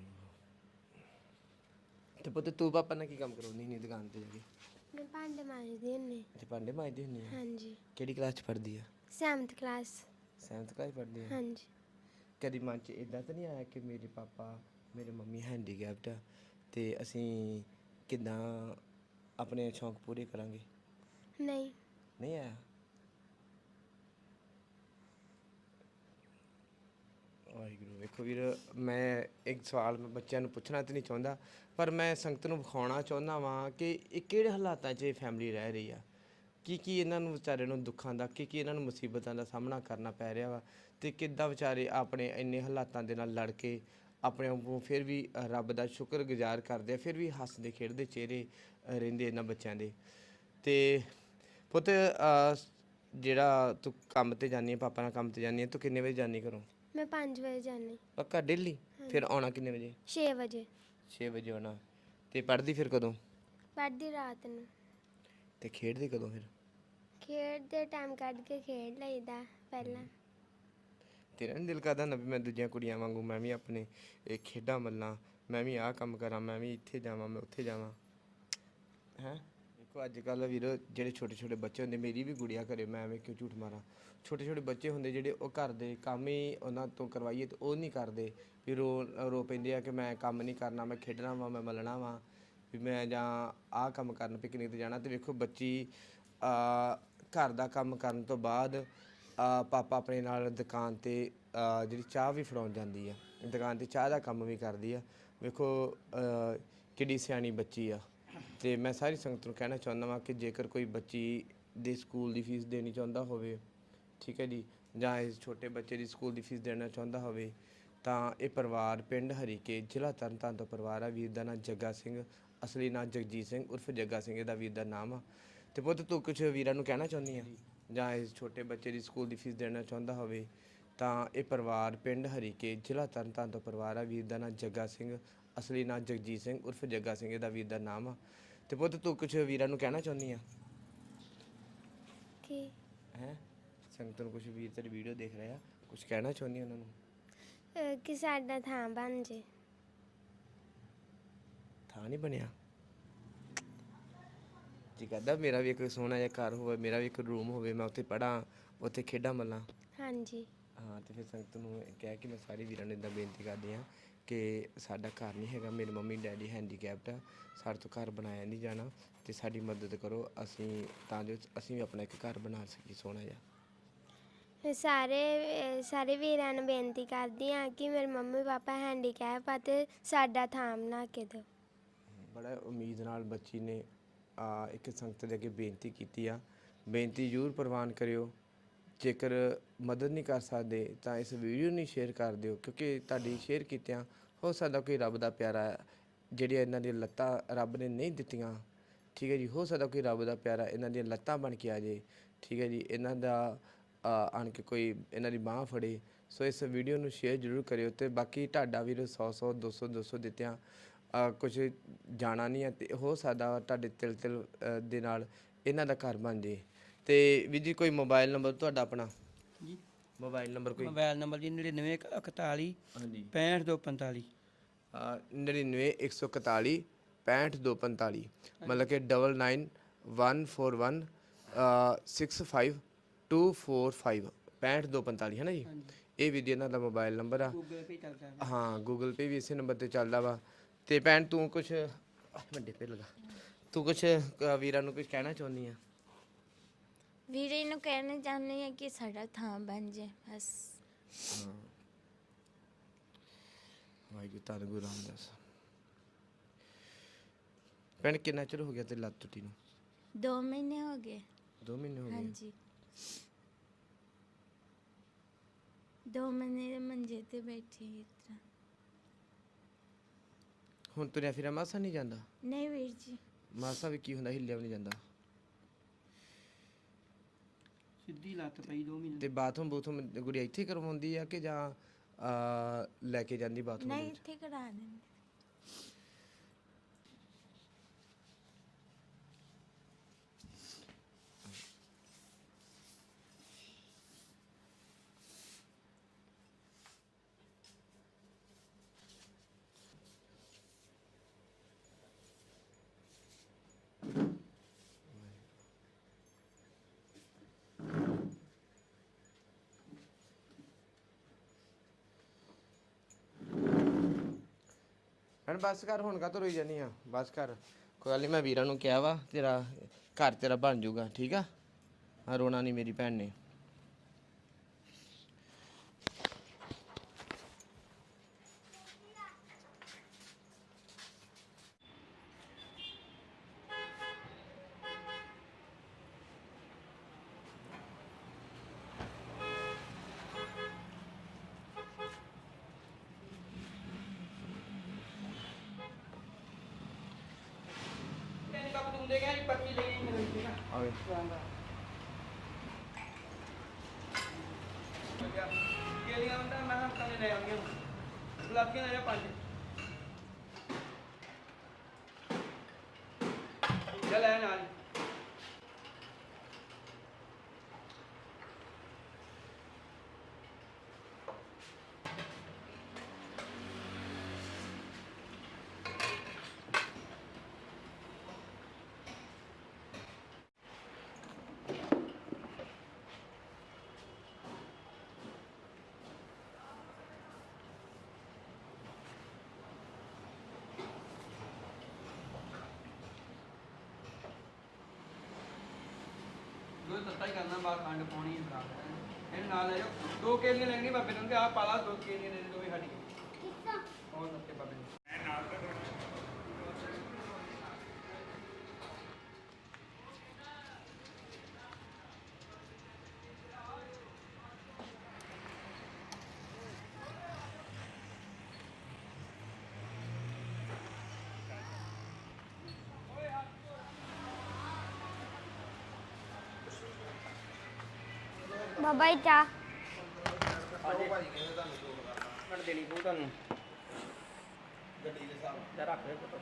Speaker 1: ਤੇ ਪੁੱਤ ਤੂੰ ਪਾਪਾ ਨਾਲ ਕੀ ਕੰਮ ਕਰਾਉਂਦੀ ਨਹੀਂ ਦੁਕਾਨ ਤੇ ਜਾ ਕੇ?
Speaker 4: ਮੈਂ ਭਾਂਡੇ ਮਾਂਜਦੀ ਹੁੰਦੀ
Speaker 1: ਅੱਛਾ ਭਾਂਡੇ ਮਾਂਜਦੀ ਹੁੰਦੀ ਆ?
Speaker 4: ਹਾਂਜੀ
Speaker 1: ਕਿਹੜੀ ਕਲਾਸ 'ਚ ਪੜ੍ਹਦੀ ਆ?
Speaker 4: ਸੈਵਨਥ ਕਲਾਸ
Speaker 1: ਸੈਵਨਥ ਕਲਾਸ 'ਚ ਪੜ੍ਹਦੀ ਆ?
Speaker 4: ਹਾਂਜੀ
Speaker 1: ਕਦੀ ਮਨ 'ਚ ਇਦਾਂ ਤਾਂ ਨਹੀਂ ਆਇਆ ਕਿ ਮੇਰੇ ਪਾਪਾ ਮੇਰੇ ਮੰਮੀ ਹੈਂਡੀਕੈਪਟ ਆ ਤੇ ਅਸੀਂ ਕਿੱਦਾਂ ਆਪਣੇ ਸ਼ੌਂਕ ਪੂਰੇ ਕਰਾਂਗੇ?
Speaker 4: ਨਹੀਂ
Speaker 1: ਨਹੀਂ ਆਇਆ? ਵਾਹਿਗੁਰੂ। ਵੇਖੋ ਵੀਰ, ਮੈਂ ਇੱਕ ਸਵਾਲ ਮੈਂ ਬੱਚਿਆਂ ਨੂੰ ਪੁੱਛਣਾ ਤਾਂ ਨਹੀਂ ਚਾਹੁੰਦਾ, ਪਰ ਮੈਂ ਸੰਗਤ ਨੂੰ ਵਿਖਾਉਣਾ ਚਾਹੁੰਦਾ ਵਾਂ ਕਿ ਇਹ ਕਿਹੜੇ ਹਾਲਾਤਾਂ 'ਚ ਇਹ ਫੈਮਿਲੀ ਰਹਿ ਰਹੀ ਆ, ਕੀ ਕੀ ਇਹਨਾਂ ਨੂੰ ਵਿਚਾਰੇ ਨੂੰ ਦੁੱਖਾਂ ਦਾ, ਕੀ ਕੀ ਇਹਨਾਂ ਨੂੰ ਮੁਸੀਬਤਾਂ ਦਾ ਸਾਹਮਣਾ ਕਰਨਾ ਪੈ ਰਿਹਾ ਵਾ, ਅਤੇ ਕਿੱਦਾਂ ਵਿਚਾਰੇ ਆਪਣੇ ਇੰਨੇ ਹਾਲਾਤਾਂ ਦੇ ਨਾਲ ਲੜ ਕੇ ਆਪਣੇ ਆਪ ਨੂੰ ਫਿਰ ਵੀ ਰੱਬ ਦਾ ਸ਼ੁਕਰਗੁਜ਼ਾਰ ਕਰਦੇ ਆ, ਫਿਰ ਵੀ ਹੱਸਦੇ ਖੇਡਦੇ ਚਿਹਰੇ ਅ, ਰਹਿੰਦੇ ਇਹਨਾਂ ਬੱਚਿਆਂ ਦੇ। ਅਤੇ ਪੁੱਤ ਅ, ਜਿਹੜਾ ਤੂੰ ਕੰਮ 'ਤੇ ਜਾਂਦੀ ਹੈ, ਪਾਪਾ ਨਾਲ ਕੰਮ 'ਤੇ ਜਾਂਦੀ ਹੈ, ਤੂੰ ਕਿੰਨੇ ਵਜੇ ਜਾਂਦੀ ਘਰੋਂ?
Speaker 4: ਮੈਂ ਪੰਜ ਵਜੇ ਜਾਂਦੀ
Speaker 1: ਪੱਕਾ ਡੇਲੀ? ਫਿਰ ਆਉਣਾ ਕਿੰਨੇ ਵਜੇ?
Speaker 4: ਛੇ ਵਜੇ
Speaker 1: ਛੇ ਵਜੇ ਆਉਣਾ। ਅਤੇ ਪੜ੍ਹਦੀ ਫਿਰ ਕਦੋਂ?
Speaker 4: ਪੜ੍ਹਦੀ ਰਾਤ ਨੂੰ
Speaker 1: ਅਤੇ ਖੇਡਦੀ ਕਦੋਂ ਫਿਰ?
Speaker 4: ਖੇਡਦੇ ਟਾਈਮ ਕੱਢ ਕੇ ਖੇਡ ਲਈਦਾ ਪਹਿਲਾਂ।
Speaker 1: ਤੇਰਾ ਨਹੀਂ ਦਿਲ ਕਰਦਾ ਨਾ ਵੀ ਮੈਂ ਦੂਜੀਆਂ ਕੁੜੀਆਂ ਵਾਂਗੂ ਮੈਂ ਵੀ ਆਪਣੇ ਇਹ ਖੇਡਾਂ ਮੱਲਾਂ, ਮੈਂ ਵੀ ਆਹ ਕੰਮ ਕਰਾਂ, ਮੈਂ ਵੀ ਇੱਥੇ ਜਾਵਾਂ, ਮੈਂ ਉੱਥੇ ਜਾਵਾਂ? ਹੈਂ ਦੇਖੋ ਅੱਜ ਕੱਲ੍ਹ ਵੀਰ ਜਿਹੜੇ ਛੋਟੇ ਛੋਟੇ ਬੱਚੇ ਹੁੰਦੇ, ਮੇਰੀ ਵੀ ਗੁੜੀਆ ਘਰੇ, ਮੈਂ ਐਵੇਂ ਕਿਉਂ ਝੂਠ ਮਾਰਾਂ, ਛੋਟੇ ਛੋਟੇ ਬੱਚੇ ਹੁੰਦੇ ਜਿਹੜੇ ਉਹ ਘਰ ਦੇ ਕੰਮ ਹੀ ਉਹਨਾਂ ਤੋਂ ਕਰਵਾਈਏ ਤਾਂ ਉਹ ਨਹੀਂ ਕਰਦੇ, ਵੀ ਰੋ ਰੋ ਪੈਂਦੇ ਆ ਕਿ ਮੈਂ ਕੰਮ ਨਹੀਂ ਕਰਨਾ, ਮੈਂ ਖੇਡਣਾ ਵਾ, ਮੈਂ ਮੱਲਣਾ ਵਾ, ਵੀ ਮੈਂ ਜਾਂ ਆਹ ਕੰਮ ਕਰਨ ਪਿਕਨਿਕ 'ਤੇ ਜਾਣਾ। ਅਤੇ ਵੇਖੋ ਬੱਚੀ ਘਰ ਦਾ ਕੰਮ ਕਰਨ ਤੋਂ ਬਾਅਦ ਅ, ਪਾਪਾ ਆਪਣੇ ਨਾਲ ਦੁਕਾਨ 'ਤੇ ਅ, ਜਿਹੜੀ ਚਾਹ ਵੀ ਫੜਾਉਣ ਜਾਂਦੀ ਆ, ਦੁਕਾਨ 'ਤੇ ਚਾਹ ਦਾ ਕੰਮ ਵੀ ਕਰਦੀ ਆ। ਵੇਖੋ ਅ, ਕਿੱਡੀ ਸਿਆਣੀ ਬੱਚੀ ਆ। ਅਤੇ ਮੈਂ ਸਾਰੀ ਸੰਗਤ ਨੂੰ ਕਹਿਣਾ ਚਾਹੁੰਦਾ ਵਾਂ ਕਿ ਜੇਕਰ ਕੋਈ ਬੱਚੀ ਦੇ ਸਕੂਲ ਦੀ ਫੀਸ ਦੇਣੀ ਚਾਹੁੰਦਾ ਹੋਵੇ, ਠੀਕ ਹੈ ਜੀ, ਜਾਂ ਇਸ ਛੋਟੇ ਬੱਚੇ ਦੀ ਸਕੂਲ ਦੀ ਫੀਸ ਦੇਣਾ ਚਾਹੁੰਦਾ ਹੋਵੇ, ਤਾਂ ਇਹ ਪਰਿਵਾਰ ਪਿੰਡ ਹਰੀਕੇ ਜ਼ਿਲ੍ਹਾ ਤਰਨਤਾਰਨ ਤੋਂ ਪਰਿਵਾਰ ਆ। ਵੀਰ ਦਾ ਨਾਂ ਜੱਗਾ ਸਿੰਘ, ਅਸਲੀ ਨਾਂ ਜਗਜੀਤ ਸਿੰਘ ਉਰਫ ਜੱਗਾ ਸਿੰਘ ਇਹਦਾ ਵੀਰ ਦਾ ਨਾਮ ਆ। ਅਤੇ ਪੁੱਤ ਤੂੰ ਕੁਛ ਵੀਰਾਂ ਨੂੰ ਕਹਿਣਾ ਚਾਹੁੰਦੀ ਆ, ਜਾਂ ਇਸ ਛੋਟੇ ਬੱਚੇ ਦੀ ਸਕੂਲ ਦੀ ਫੀਸ ਦੇਣਾ ਚਾਹੁੰਦਾ ਹੋਵੇ, ਤਾਂ ਇਹ ਪਰਿਵਾਰ ਪਿੰਡ ਹਰੀਕੇ ਜ਼ਿਲ੍ਹਾ ਤਰਨਤਾਰਨ ਤੋਂ ਪਰਿਵਾਰ ਆ। ਵੀਰ ਦਾ ਨਾਂ ਜੱਗਾ ਸਿੰਘ, ਅਸਲੀ ਨਾਂ ਜਗਜੀਤ ਸਿੰਘ ਉਰਫ ਜੱਗਾ ਸਿੰਘ ਇਹਦਾ ਵੀਰ ਦਾ ਨਾਮ ਆ। ਅਤੇ ਪੁੱਤ ਤੂੰ ਕੁਛ ਵੀਰਾਂ ਨੂੰ ਕਹਿਣਾ ਚਾਹੁੰਦੀ ਆ?
Speaker 4: ਕੀ
Speaker 1: ਹੈਂ ਸੰਗਤ ਨੂੰ ਕੁਛ ਵੀਰ ਤੇਰੀ ਵੀਡੀਓ ਦੇਖ ਰਹੇ ਆ, ਕੁਛ ਕਹਿਣਾ ਚਾਹੁੰਦੀ ਉਹਨਾਂ ਨੂੰ?
Speaker 4: ਅਹ ਕਿ ਸਾਡਾ ਥਾਂ ਬਣ ਜੇ।
Speaker 1: ਥਾਂ ਨਹੀਂ ਬਣਿਆ? ਜੀ ਕਰਦਾ ਮੇਰਾ ਵੀ ਇੱਕ ਸੋਹਣਾ ਜਿਹਾ ਘਰ ਹੋਵੇ, ਮੇਰਾ ਵੀ ਇੱਕ ਰੂਮ ਹੋਵੇ, ਮੈਂ ਉੱਥੇ ਪੜ੍ਹਾਂ, ਉੱਥੇ ਖੇਡਾਂ ਮੱਲਾਂ।
Speaker 4: ਹਾਂਜੀ
Speaker 1: ਹਾਂ, ਅਤੇ ਫਿਰ ਸੰਗਤ ਨੂੰ ਇਹ ਕਹਿ ਕੇ ਮੈਂ ਸਾਰੇ ਵੀਰਾਂ ਨੂੰ ਇੱਦਾਂ ਬੇਨਤੀ ਕਰਦੀ ਹਾਂ ਕਿ ਸਾਡਾ ਘਰ ਨਹੀਂ ਹੈਗਾ, ਮੇਰੇ ਮੰਮੀ ਡੈਡੀ ਹੈਂਡੀਕੈਪਟ ਆ, ਸਾਡੇ ਤੋਂ ਘਰ ਬਣਾਇਆ ਨਹੀਂ ਜਾਣਾ, ਅਤੇ ਸਾਡੀ ਮਦਦ ਕਰੋ, ਅਸੀਂ ਤਾਂ ਜੋ ਅਸੀਂ ਵੀ ਆਪਣਾ ਇੱਕ ਘਰ ਬਣਾ ਸਕੀਏ ਸੋਹਣਾ ਜਿਹਾ।
Speaker 4: ਮੈਂ ਸਾਰੇ ਅਹ ਸਾਰੇ ਵੀਰਾਂ ਨੂੰ ਬੇਨਤੀ ਕਰਦੀ ਹਾਂ ਕਿ ਮੇਰੇ ਮੰਮੀ ਪਾਪਾ ਹੈਂਡੀਕੈਪ ਆ ਅਤੇ ਸਾਡਾ ਥਾਂ ਬਣਾ ਕੇ ਦਿਓ।
Speaker 1: ਬੜਾ ਉਮੀਦ ਨਾਲ ਬੱਚੀ ਨੇ ਆ, ਇੱਕ ਸੰਗਤ ਦੇ ਅੱਗੇ ਬੇਨਤੀ ਕੀਤੀ ਆ। ਬੇਨਤੀ ਜ਼ਰੂਰ ਪ੍ਰਵਾਨ ਕਰਿਓ। ਜੇਕਰ ਮਦਦ ਨਹੀਂ ਕਰ ਸਕਦੇ ਤਾਂ ਇਸ ਵੀਡੀਓ ਨੂੰ ਸ਼ੇਅਰ ਕਰ ਦਿਓ, ਕਿਉਂਕਿ ਤੁਹਾਡੀ ਸ਼ੇਅਰ ਕੀਤਿਆਂ ਹੋ ਸਕਦਾ ਕੋਈ ਰੱਬ ਦਾ ਪਿਆਰਾ ਜਿਹੜੀਆਂ ਇਹਨਾਂ ਦੀਆਂ ਲੱਤਾਂ ਰੱਬ ਨੇ ਨਹੀਂ ਦਿੱਤੀਆਂ, ਠੀਕ ਹੈ ਜੀ, ਹੋ ਸਕਦਾ ਕੋਈ ਰੱਬ ਦਾ ਪਿਆਰਾ ਇਹਨਾਂ ਦੀਆਂ ਲੱਤਾਂ ਬਣ ਕੇ ਆ ਜਾਏ, ਠੀਕ ਹੈ ਜੀ, ਇਹਨਾਂ ਦਾ ਆਣ ਕੇ ਕੋਈ ਇਹਨਾਂ ਦੀ ਬਾਂਹ ਫੜੇ। ਸੋ ਇਸ ਵੀਡੀਓ ਨੂੰ ਸ਼ੇਅਰ ਜ਼ਰੂਰ ਕਰਿਓ। ਅਤੇ ਬਾਕੀ ਤੁਹਾਡਾ ਵੀਰ ਸੌ ਸੌ ਦੋ ਸੌ ਦੋ ਸੌ ਦਿੱਤਿਆਂ ਕੁਝ ਜਾਣਾ ਨਹੀਂ ਹੈ, ਅਤੇ ਹੋ ਸਕਦਾ ਤੁਹਾਡੇ ਤਿਲ ਤਿਲ ਅ, ਦੇ ਨਾਲ ਇਹਨਾਂ ਦਾ ਘਰ ਬਣ ਜੇ। ਅਤੇ ਵੀਰ ਜੀ ਕੋਈ ਮੋਬਾਈਲ ਨੰਬਰ ਤੁਹਾਡਾ ਆਪਣਾ?
Speaker 3: ਜੀ
Speaker 1: ਮੋਬਾਈਲ ਨੰਬਰ ਕੋਈ?
Speaker 3: ਮੋਬਾਈਲ ਨੰਬਰ ਜੀ ਨੜਿਨਵੇਂ ਇਕਤਾਲੀ
Speaker 1: ਹਾਂਜੀ
Speaker 3: ਪੈਂਹਠ ਦੋ ਪੰਤਾਲੀ।
Speaker 1: ਨੜਿਨਵੇਂ ਇੱਕ ਸੌ ਇਕਤਾਲੀ ਪੈਂਹਠ ਦੋ ਪੰਤਾਲੀ, ਮਤਲਬ ਕਿ double nine one four one six five two four five ਪੈਂਹਠ ਦੋ ਪੰਤਾਲੀ ਹੈ ਨਾ ਜੀ। ਇਹ ਵੀ ਜੀ ਇਹਨਾਂ ਦਾ ਮੋਬਾਈਲ ਨੰਬਰ ਆ।
Speaker 3: ਗੂਗਲ ਪੇ ਚੱਲਦਾ।
Speaker 1: ਹਾਂ ਗੂਗਲ ਪੇ ਵੀ ਇਸੇ ਨੰਬਰ 'ਤੇ ਚੱਲਦਾ ਵਾ। ਅਤੇ ਭੈਣ ਤੂੰ ਕੁਛ ਵੱਡੇ ਪੇ ਲਗਾ ਤੂੰ ਕੁਛ ਅ, ਵੀਰਾਂ ਨੂੰ ਕੁਛ ਕਹਿਣਾ ਚਾਹੁੰਦੀ ਆ?
Speaker 2: ਵੀਰੇ ਨੂੰ ਕਹਿਣਾ ਚਾਹੁੰਦੀ ਹਾਂ ਕਿ ਸਾਡਾ ਥਾਂ ਬਣ ਜੇ ਬਸ।
Speaker 1: ਹਾਂ ਵਾਹਿਗੁਰੂ ਧੰਨ ਗੁਰੂ ਰਾਮਦਾਸ। ਭੈਣ ਕਿੰਨਾ ਚਿਰ ਹੋ ਗਿਆ ਤੇ ਲੱਤ ਟੁੱਟੀ ਨੂੰ?
Speaker 2: ਦੋ ਮਹੀਨੇ ਹੋ ਗਏ।
Speaker 1: ਦੋ ਮਹੀਨੇ ਹੋ ਗਏ?
Speaker 2: ਹਾਂਜੀ ਦੋ ਮਹੀਨੇ ਦੇ ਮੰਜੇ ਤੇ ਬੈਠੀ ਇਸ ਤਰ੍ਹਾਂ।
Speaker 1: ਹੁਣ ਤੁਰਿਆ ਫਿਰਿਆ ਮਾਸਾ ਨਹੀਂ ਜਾਂਦਾ?
Speaker 2: ਨਹੀਂ ਵੀਰ ਜੀ।
Speaker 1: ਮਾਸਾ ਵੀ ਕੀ ਹੁੰਦਾ, ਹਿੱਲਿਆ ਵੀ ਨਹੀਂ ਜਾਂਦਾ?
Speaker 3: ਸਿੱਧੀ ਲੱਤ ਪਈ ਦੋ ਮਹੀਨੇ।
Speaker 1: ਤੇ ਬਾਥਰੂਮ ਬੂਥਰੂਮ ਗੁੜੀਆ ਇੱਥੇ ਕਰਵਾਉਂਦੀ ਆ ਕਿ ਜਾਂ ਅਹ, ਲੈ ਕੇ ਜਾਂਦੀ ਬਾਥਰੂਮ ਦੇ
Speaker 2: ਨਹੀਂ
Speaker 1: ਵਿੱਚ?
Speaker 2: ਇੱਥੇ ਕਰਾ ਦਿੰਦੇ।
Speaker 1: ਹਣ ਬਸ ਕਰ, ਹੁਣ ਕਾ ਰੋਈ ਜਾਨੀ ਆ? ਬਸ ਕਰ, ਕੋਈ ਗੱਲ ਨਹੀਂ, ਮੈਂ ਵੀਰਾਂ ਨੂੰ ਕਿਹਾ ਵਾ ਤੇਰਾ ਘਰ ਤੇਰਾ ਬਣ ਜਾਊਗਾ, ਠੀਕ ਆ? ਹਾਂ, ਰੋਣਾ ਨਹੀਂ ਮੇਰੀ ਭੈਣ ਨੇ।
Speaker 3: ਤੈਨੂੰ ਕੱਪ ਤੂੰ ਦੇ ਗਿਆ ਜੀ, ਪਰਚੀ ਲੈ ਗਈ ਮੇਰੇ ਠੀਕ ਆ।
Speaker 1: ਆਵੇ
Speaker 3: ਕੇਲੀਆਂ ਹੁੰਦਾ ਮੈਂ ਹਮ ਕਾਲੇ ਲੈ ਆਉਂਗੇ। ਗੁਲਾਬੀਆਂ ਲੈ ਜਾ ਪੰਜ। ਚੱਲ ਐ ਨਾਲ। ਦੋ ਤੱਤਾ ਹੀ ਕਰਨਾ, ਬਾਹਰ ਖੰਡ ਪਾਉਣੀ ਹੈ ਖਰਾਬ। ਇਹਨੂੰ ਨਾਲ ਲੈ ਜਾਓ। ਦੋ ਕੇਲੀਆਂ ਲੈਣੀਆਂ ਬਾਬੇ ਨੂੰ, ਤੇ ਆਹ ਪਾਲਾ ਦੋ ਕੇਲੀਆਂ ਦੇ ਦੇ ਦੋ ਵੀ ਸਾਡੀ। ਠੀਕ ਆ। ਹੋਰ ਨੱਤੇ ਬਾਬੇ ਨੂੰ।
Speaker 4: ਬਾਬਾ ਜੀ ਚਾਹ।
Speaker 3: ਮਿੰਟ ਦੇਣੀ ਪਊ ਤੁਹਾਨੂੰ। ਗੱਡੀ ਦੇ ਹਿਸਾਬ ਨਾਲ ਰੱਖ ਲੈ ਪੁੱਤ।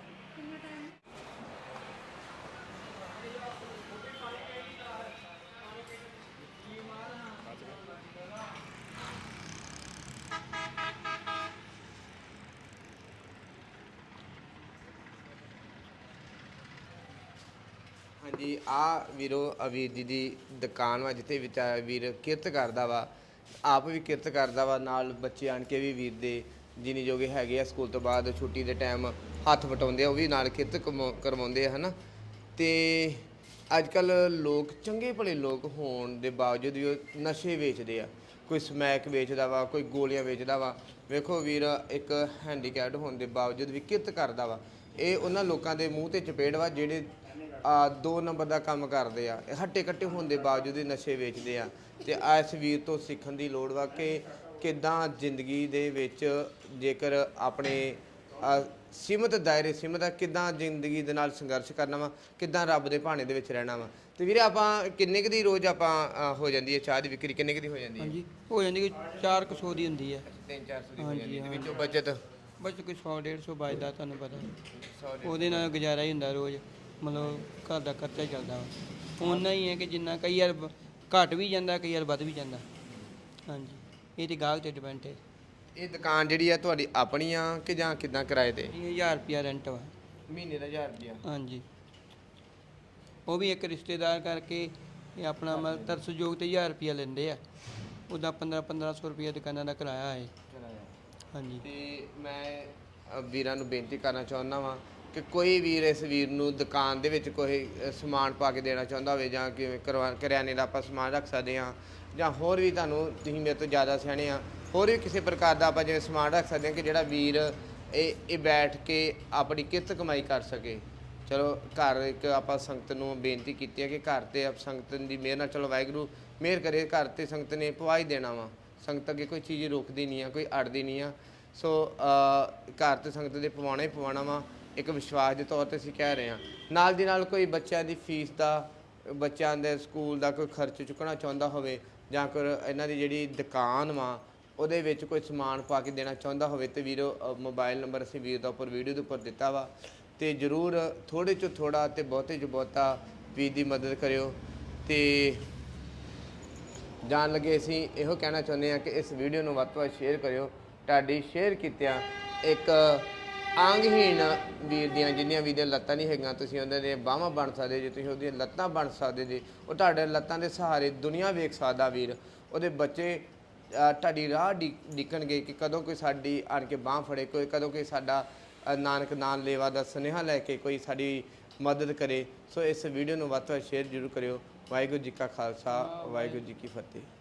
Speaker 1: ਹਾਂਜੀ, ਆ ਵੀਰੋ ਅਵੀਰ ਜੀ ਦੀ ਦੁਕਾਨ ਵਾ, ਜਿੱਥੇ ਵਿਚਾਰਾ ਵੀਰ ਕਿਰਤ ਕਰਦਾ ਵਾ, ਆਪ ਵੀ ਕਿਰਤ ਕਰਦਾ ਵਾ, ਨਾਲ ਬੱਚੇ ਆਣ ਕੇ ਵੀ ਵੀਰ ਦੇ ਜਿੰਨੀ ਜੋਗੇ ਹੈਗੇ ਆ, ਸਕੂਲ ਤੋਂ ਬਾਅਦ ਛੁੱਟੀ ਦੇ ਟਾਈਮ ਹੱਥ ਵਟਾਉਂਦੇ ਆ, ਉਹ ਵੀ ਨਾਲ ਕਿਰਤ ਕਮਾ- ਕਰਵਾਉਂਦੇ ਆ, ਹੈ ਨਾ। ਤੇ ਅੱਜ ਕੱਲ ਲੋਕ ਚੰਗੇ ਭਲੇ ਲੋਕ ਹੋਣ ਦੇ ਬਾਵਜੂਦ ਵੀ ਉਹ ਨਸ਼ੇ ਵੇਚਦੇ ਆ। ਕੋਈ ਸਮੈਕ ਵੇਚਦਾ ਵਾ, ਕੋਈ ਗੋਲੀਆਂ ਵੇਚਦਾ ਵਾ। ਵੇਖੋ ਵੀਰ ਇੱਕ ਹੈਂਡੀਕੈਪਡ ਹੋਣ ਦੇ ਬਾਵਜੂਦ ਵੀ ਕਿਰਤ ਕਰਦਾ ਵਾ। ਇਹ ਉਹਨਾਂ ਲੋਕਾਂ ਦੇ ਮੂੰਹ ਤੇ ਚਪੇੜ ਵਾ ਜਿਹੜੇ ਆ ਦੋ ਨੰਬਰ ਦਾ ਕੰਮ ਕਰਦੇ ਆ, ਹੱਟੇ ਕੱਟੇ ਹੋਣ ਦੇ ਬਾਵਜੂਦ ਹੀ ਨਸ਼ੇ ਵੇਚਦੇ ਆ। ਤੇ ਇਸ ਵੀਰ ਤੋਂ ਸਿੱਖਣ ਦੀ ਲੋੜ ਵਾ ਕਿ ਕਿੱਦਾਂ ਜ਼ਿੰਦਗੀ ਦੇ ਵਿੱਚ ਜੇਕਰ ਆਪਣੇ ਅ, ਸੀਮਤ ਦਾਇਰੇ ਸੀਮਤ ਆ, ਕਿੱਦਾਂ ਜ਼ਿੰਦਗੀ ਦੇ ਨਾਲ ਸੰਘਰਸ਼ ਕਰਨਾ ਵਾ, ਕਿੱਦਾਂ ਰੱਬ ਦੇ ਭਾਣੇ ਦੇ ਵਿੱਚ ਰਹਿਣਾ ਵਾ। ਤੇ ਵੀਰੇ ਆਪਾਂ ਕਿੰਨੇ ਕੁ ਦੀ ਰੋਜ਼ ਆਪਾਂ ਅ, ਹੋ ਜਾਂਦੀ ਹੈ ਚਾਹ ਦੀ ਵਿਕਰੀ, ਕਿੰਨੇ ਕੁ ਦੀ ਹੋ ਜਾਂਦੀ ਹੈ?
Speaker 3: ਹਾਂਜੀ, ਹੋ ਜਾਂਦੀ ਕਿ ਚਾਰ ਕੁ ਸੌ ਦੀ ਹੁੰਦੀ ਹੈ।
Speaker 1: ਤਿੰਨ ਚਾਰ ਸੌ ਦੀ ਹੋ
Speaker 3: ਹਾਂਜੀ,
Speaker 1: ਜਾਂਦੀ ਹੈ। ਤੇ
Speaker 3: ਹਾਂ।
Speaker 1: ਵਿੱਚੋਂ ਬਚਤ
Speaker 3: ਬਸ ਕੋਈ ਸੌ ਡੇਢ ਸੌ ਬਚਦਾ, ਤੁਹਾਨੂੰ ਪਤਾ।
Speaker 1: ਸੌ ਦੇ
Speaker 3: ਉਹਦੇ ਨਾਲ ਗੁਜ਼ਾਰਾ ਹੀ ਹੁੰਦਾ ਰੋਜ਼, ਮਤਲਬ ਘਰ ਦਾ ਖਰਚਾ ਹੀ ਚੱਲਦਾ ਵਾ। ਓਨਾ ਹੀ ਹੈ ਕਿ ਜਿੰਨਾ ਕਈ ਵਾਰ ਬ- ਘੱਟ ਵੀ ਜਾਂਦਾ, ਕਈ ਵਾਰ ਵੱਧ ਵੀ ਜਾਂਦਾ। ਹਾਂਜੀ, ਇਹ ਤੇ ਗਾਹਕ ਤੇ ਡਿਪੈਂਡ ਹੈ।
Speaker 1: ਇਹ ਦੁਕਾਨ ਜਿਹੜੀ ਆ ਤੁਹਾਡੀ ਆਪਣੀ ਆ ਕਿ ਜਾਂ ਕਿੱਦਾਂ ਕਿਰਾਏ ਤੇ?
Speaker 3: ਇਹ ਹਜ਼ਾਰ ਰੁਪਿਆ ਰੈਂਟ ਵਾ।
Speaker 1: ਮਹੀਨੇ ਦਾ ਹਜ਼ਾਰ ਰੁਪਇਆ?
Speaker 3: ਹਾਂਜੀ, ਉਹ ਵੀ ਇੱਕ ਰਿਸ਼ਤੇਦਾਰ ਕਰਕੇ ਇਹ ਆਪਣਾ ਮਤਲਬ ਤਰਸਯੋਗ ਤੇ ਹਜ਼ਾਰ ਰੁਪਿਆ ਲੈਂਦੇ ਆ। ਉਹਦਾ ਪੰਦਰਾਂ ਪੰਦਰਾਂ ਸੌ ਰੁਪਿਆ ਦੁਕਾਨਾਂ ਦਾ ਕਿਰਾਇਆ ਹੈ। ਹਾਂਜੀ,
Speaker 1: ਤੇ ਮੈਂ ਅ, ਵੀਰਾਂ ਨੂੰ ਬੇਨਤੀ ਕਰਨਾ ਚਾਹੁੰਦਾ ਵਾਂ ਕਿ ਕੋਈ ਵੀਰ ਇਸ ਵੀਰ ਨੂੰ ਦੁਕਾਨ ਦੇ ਵਿੱਚ ਕੋਈ ਅ, ਸਮਾਨ ਪਾ ਕੇ ਦੇਣਾ ਚਾਹੁੰਦਾ ਹੋਵੇ, ਜਾਂ ਕਿਵੇਂ ਕਰਵਾ ਕਰਿਆਨੇ ਦਾ ਆਪਾਂ ਸਮਾਨ ਰੱਖ ਸਕਦੇ ਹਾਂ, ਜਾਂ ਹੋਰ ਵੀ ਤੁਹਾਨੂੰ ਤੁਸੀਂ ਮੇਰੇ ਤੋਂ ਜ਼ਿਆਦਾ ਸਿਆਣੇ ਆ, ਹੋਰ ਵੀ ਕਿਸੇ ਪ੍ਰਕਾਰ ਦਾ ਆਪਾਂ ਜਿਵੇਂ ਸਮਾਨ ਰੱਖ ਸਕਦੇ ਹਾਂ ਕਿ ਜਿਹੜਾ ਵੀਰ ਇਹ ਇਹ ਬੈਠ ਕੇ ਆਪਣੀ ਕਿਰਤ ਕਮਾਈ ਕਰ ਸਕੇ। ਚਲੋ ਘਰ ਇੱਕ ਆਪਾਂ ਸੰਗਤ ਨੂੰ ਬੇਨਤੀ ਕੀਤੀ ਹੈ ਕਿ ਘਰ ਤੇ ਆਪ ਸੰਗਤ ਦੀ ਮਿਹਰ ਨਾਲ, ਚਲੋ ਵਾਹਿਗੁਰੂ ਮਿਹਰ ਕਰੇ, ਘਰ ਤੇ ਸੰਗਤ ਨੇ ਪਵਾ ਹੀ ਦੇਣਾ ਵਾ। ਸੰਗਤ ਅੱਗੇ ਕੋਈ ਚੀਜ਼ ਰੁਕਦੀ ਨਹੀਂ ਆ, ਕੋਈ ਅੜਦੀ ਨਹੀਂ ਆ। ਸੋ ਅ, ਘਰ ਤੇ ਸੰਗਤ ਦੇ ਪਵਾਉਣਾ ਹੀ ਪਵਾਉਣਾ ਵਾ, ਇੱਕ ਵਿਸ਼ਵਾਸ ਦੇ ਤੌਰ ਤੇ ਅਸੀਂ ਕਹਿ ਰਹੇ ਹਾਂ। ਨਾਲ ਦੀ ਨਾਲ ਕੋਈ ਬੱਚਿਆਂ ਦੀ ਫੀਸ ਦਾ, ਬੱਚਿਆਂ ਦੇ ਸਕੂਲ ਦਾ ਕੋਈ ਖਰਚ ਚੁੱਕਣਾ ਚਾਹੁੰਦਾ ਹੋਵੇ, ਜਾਂ ਕੋਈ ਇਹਨਾਂ ਦੀ ਜਿਹੜੀ ਦੁਕਾਨ ਵਾ ਉਹਦੇ ਵਿੱਚ ਕੋਈ ਸਮਾਨ ਪਾ ਕੇ ਦੇਣਾ ਚਾਹੁੰਦਾ ਹੋਵੇ, ਤੇ ਵੀਰੋ ਮੋਬਾਈਲ ਨੰਬਰ ਅਸੀਂ ਵੀਰ ਦਾ ਉੱਪਰ ਵੀਡੀਓ ਦੇ ਉੱਪਰ ਦਿੱਤਾ ਵਾ, ਤੇ ਜ਼ਰੂਰ ਥੋੜ੍ਹੇ 'ਚੋਂ ਥੋੜ੍ਹਾ ਤੇ ਬਹੁਤੇ 'ਚੋਂ ਬਹੁਤਾ ਵੀਰ ਦੀ ਮਦਦ ਕਰਿਓ। ਤੇ ਜਾਣ ਲੱਗੇ ਅਸੀਂ ਇਹੋ ਕਹਿਣਾ ਚਾਹੁੰਦੇ ਹਾਂ ਕਿ ਇਸ ਵੀਡੀਓ ਨੂੰ ਵੱਧ ਤੋਂ ਵੱਧ ਸ਼ੇਅਰ ਕਰਿਓ। ਤੁਹਾਡੀ ਸ਼ੇਅਰ ਕੀਤਿਆਂ ਇੱਕ ਅੰਗਹੀਣ ਵੀਰ ਦੀਆਂ, ਜਿੰਨੀਆਂ ਵੀਰ ਦੀਆਂ ਲੱਤਾਂ ਨਹੀਂ ਹੈਗੀਆਂ, ਤੁਸੀਂ ਉਹਨਾਂ ਦੀਆਂ ਬਾਹਾਂ ਬਣ ਸਕਦੇ ਜੇ, ਤੁਸੀਂ ਉਹਦੀਆਂ ਲੱਤਾਂ ਬਣ ਸਕਦੇ ਜੇ। ਉਹ ਤੁਹਾਡੇ ਲੱਤਾਂ ਦੇ ਸਹਾਰੇ ਦੁਨੀਆ ਵੇਖ ਸਕਦਾ ਵੀਰ। ਉਹਦੇ ਬੱਚੇ ਅ, ਤੁਹਾਡੀ ਰਾਹ ਡੀ ਡਿੱਕਣਗੇ ਕਿ ਕਦੋਂ ਕੋਈ ਸਾਡੀ ਆਣ ਕੇ ਬਾਂਹ ਫੜੇ, ਕੋਈ ਕਦੋਂ ਕੋਈ ਸਾਡਾ ਅ, ਨਾਨਕ ਨਾਮ ਲੇਵਾ ਦਾ ਸੁਨੇਹਾ ਲੈ ਕੇ ਕੋਈ ਸਾਡੀ ਮਦਦ ਕਰੇ। ਸੋ ਇਸ ਵੀਡੀਓ ਨੂੰ ਵੱਧ ਤੋਂ ਵੱਧ ਸ਼ੇਅਰ ਜ਼ਰੂਰ ਕਰਿਓ। ਵਾਹਿਗੁਰੂ ਜੀ ਕਾ ਖਾਲਸਾ, ਵਾਹਿਗੁਰੂ ਜੀ ਕੀ ਫਤਿਹ।